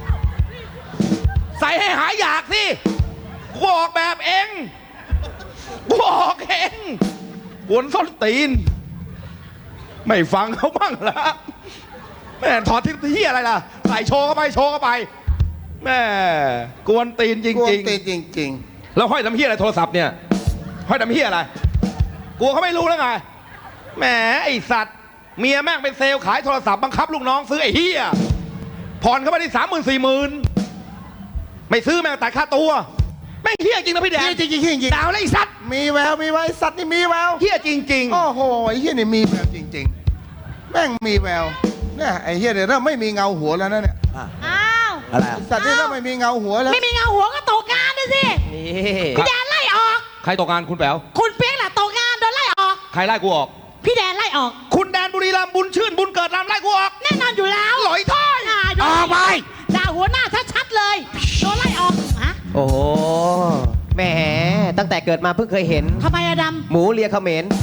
[SPEAKER 2] ใส่ให้หายอยากสิกูออกแบบเองกูออกเองกวนส้นตีนไม่ฟังเขาบ้างละแม่ถอดทิ้งเฮียอะไรล่ะใส่โชว์เข้าไปโชว์เข้าไปแม่กวนตีนจ
[SPEAKER 6] กวน
[SPEAKER 2] ริง
[SPEAKER 6] ตีนจริง
[SPEAKER 2] ๆแล้วห้อยทำเฮียอะไรโทรศัพท์เนี่ยห้อยทำเฮียอะไรกลัวเขาไม่รู้แล้วไงแหมไอสัตว์เมียแม่งเป็นเซลล์ขายโทรศัพท์บังคับลูกน้องซื้อไอ้เฮียผ่อนเข้าไปที่สามหมื่นสี่หมื่นไม่ซื้อแม่งแต่ค่าตัวแม่งเฮียจริงนะพี่แดง
[SPEAKER 6] ๆจริงจริงจริง
[SPEAKER 2] ดาวแล้วไอ้สัตว์
[SPEAKER 6] มีแววมีแววไอ้สัตว์นี่มีแวว
[SPEAKER 2] เฮียจริง
[SPEAKER 6] โอ้โหไอ้เฮียนี่มีแววจริง ๆ แม่งมีแววเนี่ยไอ้เฮียเนี่ยเริ่มไม่มีเงาหัวแล้วนะเนี่ย
[SPEAKER 1] อ้าว
[SPEAKER 3] อะไร
[SPEAKER 6] ไอ้สัตว์นี่เริ่มไม่มีเงาหัวแล้ว
[SPEAKER 1] ไม่มีเงาหัวก็ตกงานนะสิ
[SPEAKER 3] นี่
[SPEAKER 1] พี่แดนไล่ออก
[SPEAKER 2] ๆใครตกงานคุณแป๋ว
[SPEAKER 1] คุณเปียกแหละตกงานโดนไล่ออก
[SPEAKER 2] ใครไล่กูออก
[SPEAKER 1] พี่แดนไล่ออก
[SPEAKER 2] คุณแดนบุรีรัมย์บุญชื่นบุญเกิดรำไล่กูออก
[SPEAKER 1] แน่นอนอยู่แล้ว
[SPEAKER 2] หลอยถ้อย
[SPEAKER 1] อ่าโดน
[SPEAKER 2] ออกไป
[SPEAKER 1] ด่าหัวหน้าชัดๆเลยโดนไล่ออกฮะ
[SPEAKER 3] โอ้โหแหมตั้งแต่เกิดมาเพิ่งเคยเห็น
[SPEAKER 1] ทำไมอะด
[SPEAKER 3] หมูเลียเขมร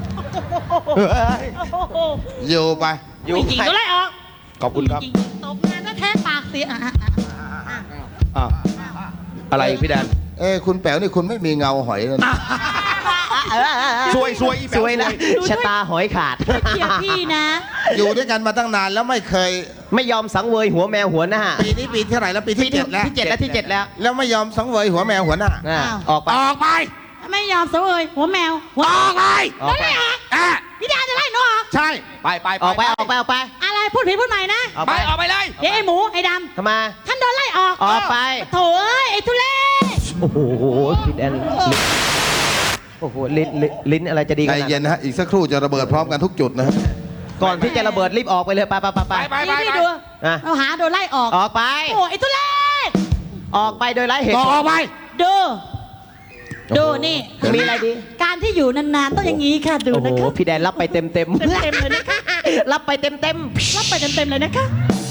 [SPEAKER 1] ำ
[SPEAKER 6] อยู่ไป
[SPEAKER 3] อยู่
[SPEAKER 1] จริงๆโดนไล่ออก
[SPEAKER 2] ขอบคุณครับ
[SPEAKER 1] จงๆตกงานแล้วแท้ปากเสียอ่ะอ่ะอ่ะอ่ะ
[SPEAKER 2] อ่ะอะไรพี่แดน
[SPEAKER 6] เอ้ยคุณแป๋วนี่คุณไม่มีเงาหอยเลยนะ
[SPEAKER 2] ซวยซวยอีแป๋
[SPEAKER 3] สวยนะชะตาหอยขาด
[SPEAKER 1] เกียรพี่นะ
[SPEAKER 6] อยู่ด้วยกันมาตั้งนานแล้วไม่เคย
[SPEAKER 3] ไม่ยอมสังเวยหัวแมวหัวหน้า
[SPEAKER 6] ปีนี้ปีที่เท่าไหร่แล้วปีที่เจ็ดแล้ว
[SPEAKER 3] ที่เจ็ดแล้วที่เจ็ดแล้ว
[SPEAKER 6] แล้วไม่ยอมสังเวยหัวแมวหัวหน้า
[SPEAKER 3] อ่ะ
[SPEAKER 1] อ้าว
[SPEAKER 3] ออกไป
[SPEAKER 2] ออกไป
[SPEAKER 1] ไม่ยอมเสวยหัวแมวหัว
[SPEAKER 2] ออกไป
[SPEAKER 3] ออกไป
[SPEAKER 1] โดนไล่ออก
[SPEAKER 2] อ่ะ
[SPEAKER 1] พี่แดนจะไล่หนูออก
[SPEAKER 2] ใช่ไปไป
[SPEAKER 3] ออกไปออกไปออกไป
[SPEAKER 1] อะไรพูดผิดพูดใหม่นะ
[SPEAKER 3] ออก
[SPEAKER 2] ไป
[SPEAKER 3] ไป
[SPEAKER 2] ออกไปเลย
[SPEAKER 1] เดี๋ยวไอ้หมูไอ้ด
[SPEAKER 3] ทำไม
[SPEAKER 1] ำท่านโดนไล่ออก
[SPEAKER 3] ออกไป
[SPEAKER 1] โถเอ้ยไอ้ทุเล่
[SPEAKER 3] โอ้โหพี่แดนโอ้โหลิ้นลิ้นลิ้นอะไรจะดีข
[SPEAKER 6] ใจ
[SPEAKER 3] นาด
[SPEAKER 6] เย็น
[SPEAKER 3] นั้น
[SPEAKER 6] นะฮะ อีกสักครู่จะระเบิดพร้อมกันทุกจุดนะครับ
[SPEAKER 3] ก่อนที่จะระเบิดรีบออกไปเลยไปไปไปไป
[SPEAKER 2] ไปไป
[SPEAKER 1] นี่พี่ดู
[SPEAKER 3] อ่ะ
[SPEAKER 1] เราหาโดนไล่ออก
[SPEAKER 3] ออกไป
[SPEAKER 1] โอ้ไอ้ทุเล่
[SPEAKER 3] ออกไปโดยไร้เหตุ
[SPEAKER 2] อ
[SPEAKER 3] ผล
[SPEAKER 2] อกไป
[SPEAKER 1] ดูดูนี่
[SPEAKER 3] มีอะไรดี
[SPEAKER 1] การที่อยู่นานๆต้องอย่างนี้ค่ะดู
[SPEAKER 3] โอ้โห
[SPEAKER 1] นะคะ
[SPEAKER 3] พี่แดนรับไปเต็มเต็ม
[SPEAKER 1] เต็มๆเลยนะคะ
[SPEAKER 3] รับไปเต็มเต็ม
[SPEAKER 1] รับไปเต็มๆเลยนะคะ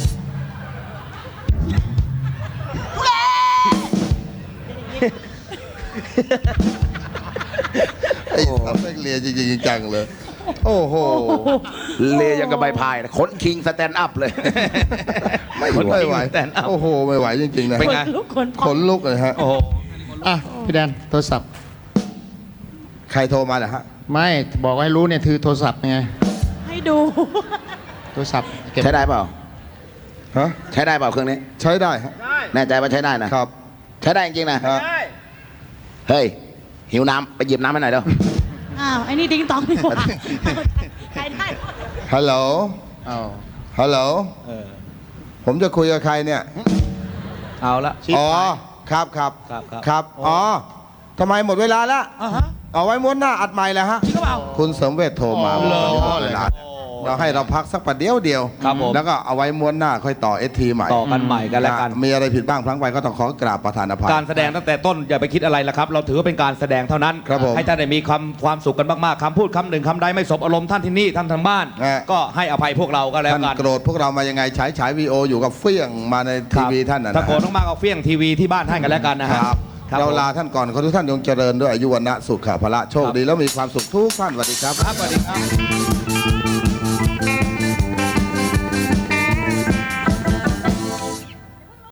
[SPEAKER 6] ไอ้สัตว์แม่งเลียจริงๆจังๆเลย โอ้โห
[SPEAKER 4] เลยังกับใบพายนะขนคิงสแตนด์อัพเลย
[SPEAKER 6] ไม่ไม่ไหว
[SPEAKER 2] แต่นเอา
[SPEAKER 6] โอ้โห ไม่ไหวจริงๆนะ
[SPEAKER 2] เป็น
[SPEAKER 1] ค
[SPEAKER 2] ไง
[SPEAKER 1] นลุกคน
[SPEAKER 6] ขนลุกเลยฮะ
[SPEAKER 2] โอ้โห
[SPEAKER 5] อ่ะพี่แดนโทรศัพท์
[SPEAKER 6] ใครโทรมาเหรอฮะ
[SPEAKER 5] ไม่บอกให้รู้เนี่ยถือโทรศัพท์ไง
[SPEAKER 1] ให้ดู
[SPEAKER 5] โทรศัพท์เก็บ
[SPEAKER 4] ใช้ได้เปล่า
[SPEAKER 6] ฮะ
[SPEAKER 4] ใช้ได้เปล่าเครื่องนี้
[SPEAKER 6] ใช้ได้ฮะ
[SPEAKER 4] แน่ใจว่าใช้ได้นะ
[SPEAKER 6] ครับ
[SPEAKER 4] ใช้ได้จริงๆนะ
[SPEAKER 6] ฮะ
[SPEAKER 4] เฮ้ย หิวน้ำไปหยิบน้ำให้หน่อยเด้อ
[SPEAKER 1] อ้าวไอ้นี่ดิงตองดีกว่าใครได้
[SPEAKER 6] ฮัลโหล
[SPEAKER 5] เอา
[SPEAKER 6] ฮัลโหล ผมจะคุยกับใครเนี่ย
[SPEAKER 2] เอาละ
[SPEAKER 6] อ๋อ ครับครับ
[SPEAKER 2] ครับครับ
[SPEAKER 6] ครับ อ๋อทำไมหมดเวลาแล้ว
[SPEAKER 2] อ่ะฮะ
[SPEAKER 6] เอาไว้ม้วนหน้าอัดใหม่แล้วฮะ
[SPEAKER 2] จริงหรือเปล่า
[SPEAKER 6] คุณเสริมเวทโทรมา
[SPEAKER 2] อ๋อ
[SPEAKER 6] บอกว่าหมดเวลาเราให้เราพักสักประเดี๋ยวเดียว
[SPEAKER 2] ครับผม
[SPEAKER 6] แล้วก็เอาไว้ม้วนหน้าค่อยต่อเอทีใหม่
[SPEAKER 2] ต่อกันใหม่กันแล้วกัน
[SPEAKER 6] มีอะไรผิดบ้างพลั้งไปก็ต้องขอกราบประธานอภัย
[SPEAKER 2] การแสดงตั้งแต่ต้นอย่าไปคิดอะไรละครับ เราถือว่าเป็นการแสดงเท่านั้น
[SPEAKER 6] ครับผม
[SPEAKER 2] ให้ท่านได้มีความความสุขกันมากๆคำพูดคำหนึ่งคำใดไม่สบอารมณ์ท่านที่นี่ท่านทางบ้าน
[SPEAKER 6] ฮะ
[SPEAKER 2] ก็ให้อภัยพวกเราก็แล้ว
[SPEAKER 6] ท่าน
[SPEAKER 2] กัน
[SPEAKER 6] โกรธพวกเรามายังไงฉายฉายวีโออยู่กับเฟี้ยงมาในทีวีท่านนะ
[SPEAKER 2] ถ้า
[SPEAKER 6] นะ
[SPEAKER 2] โกรธมากๆเอาเฟี้ยงทีวีที่บ้านท่านกันแล้วกันนะ
[SPEAKER 6] ค
[SPEAKER 2] ฮะ
[SPEAKER 6] รับ
[SPEAKER 2] ครับ
[SPEAKER 6] เรา
[SPEAKER 2] ผม
[SPEAKER 6] ลาท่านก่อนขอทุกท่านจงเจริญด้วยอายุวันนะสุขะพละโชคดีแล้วมีความสุขทุกท่านสวัสดีครับ
[SPEAKER 2] ครับสวัสดีครับ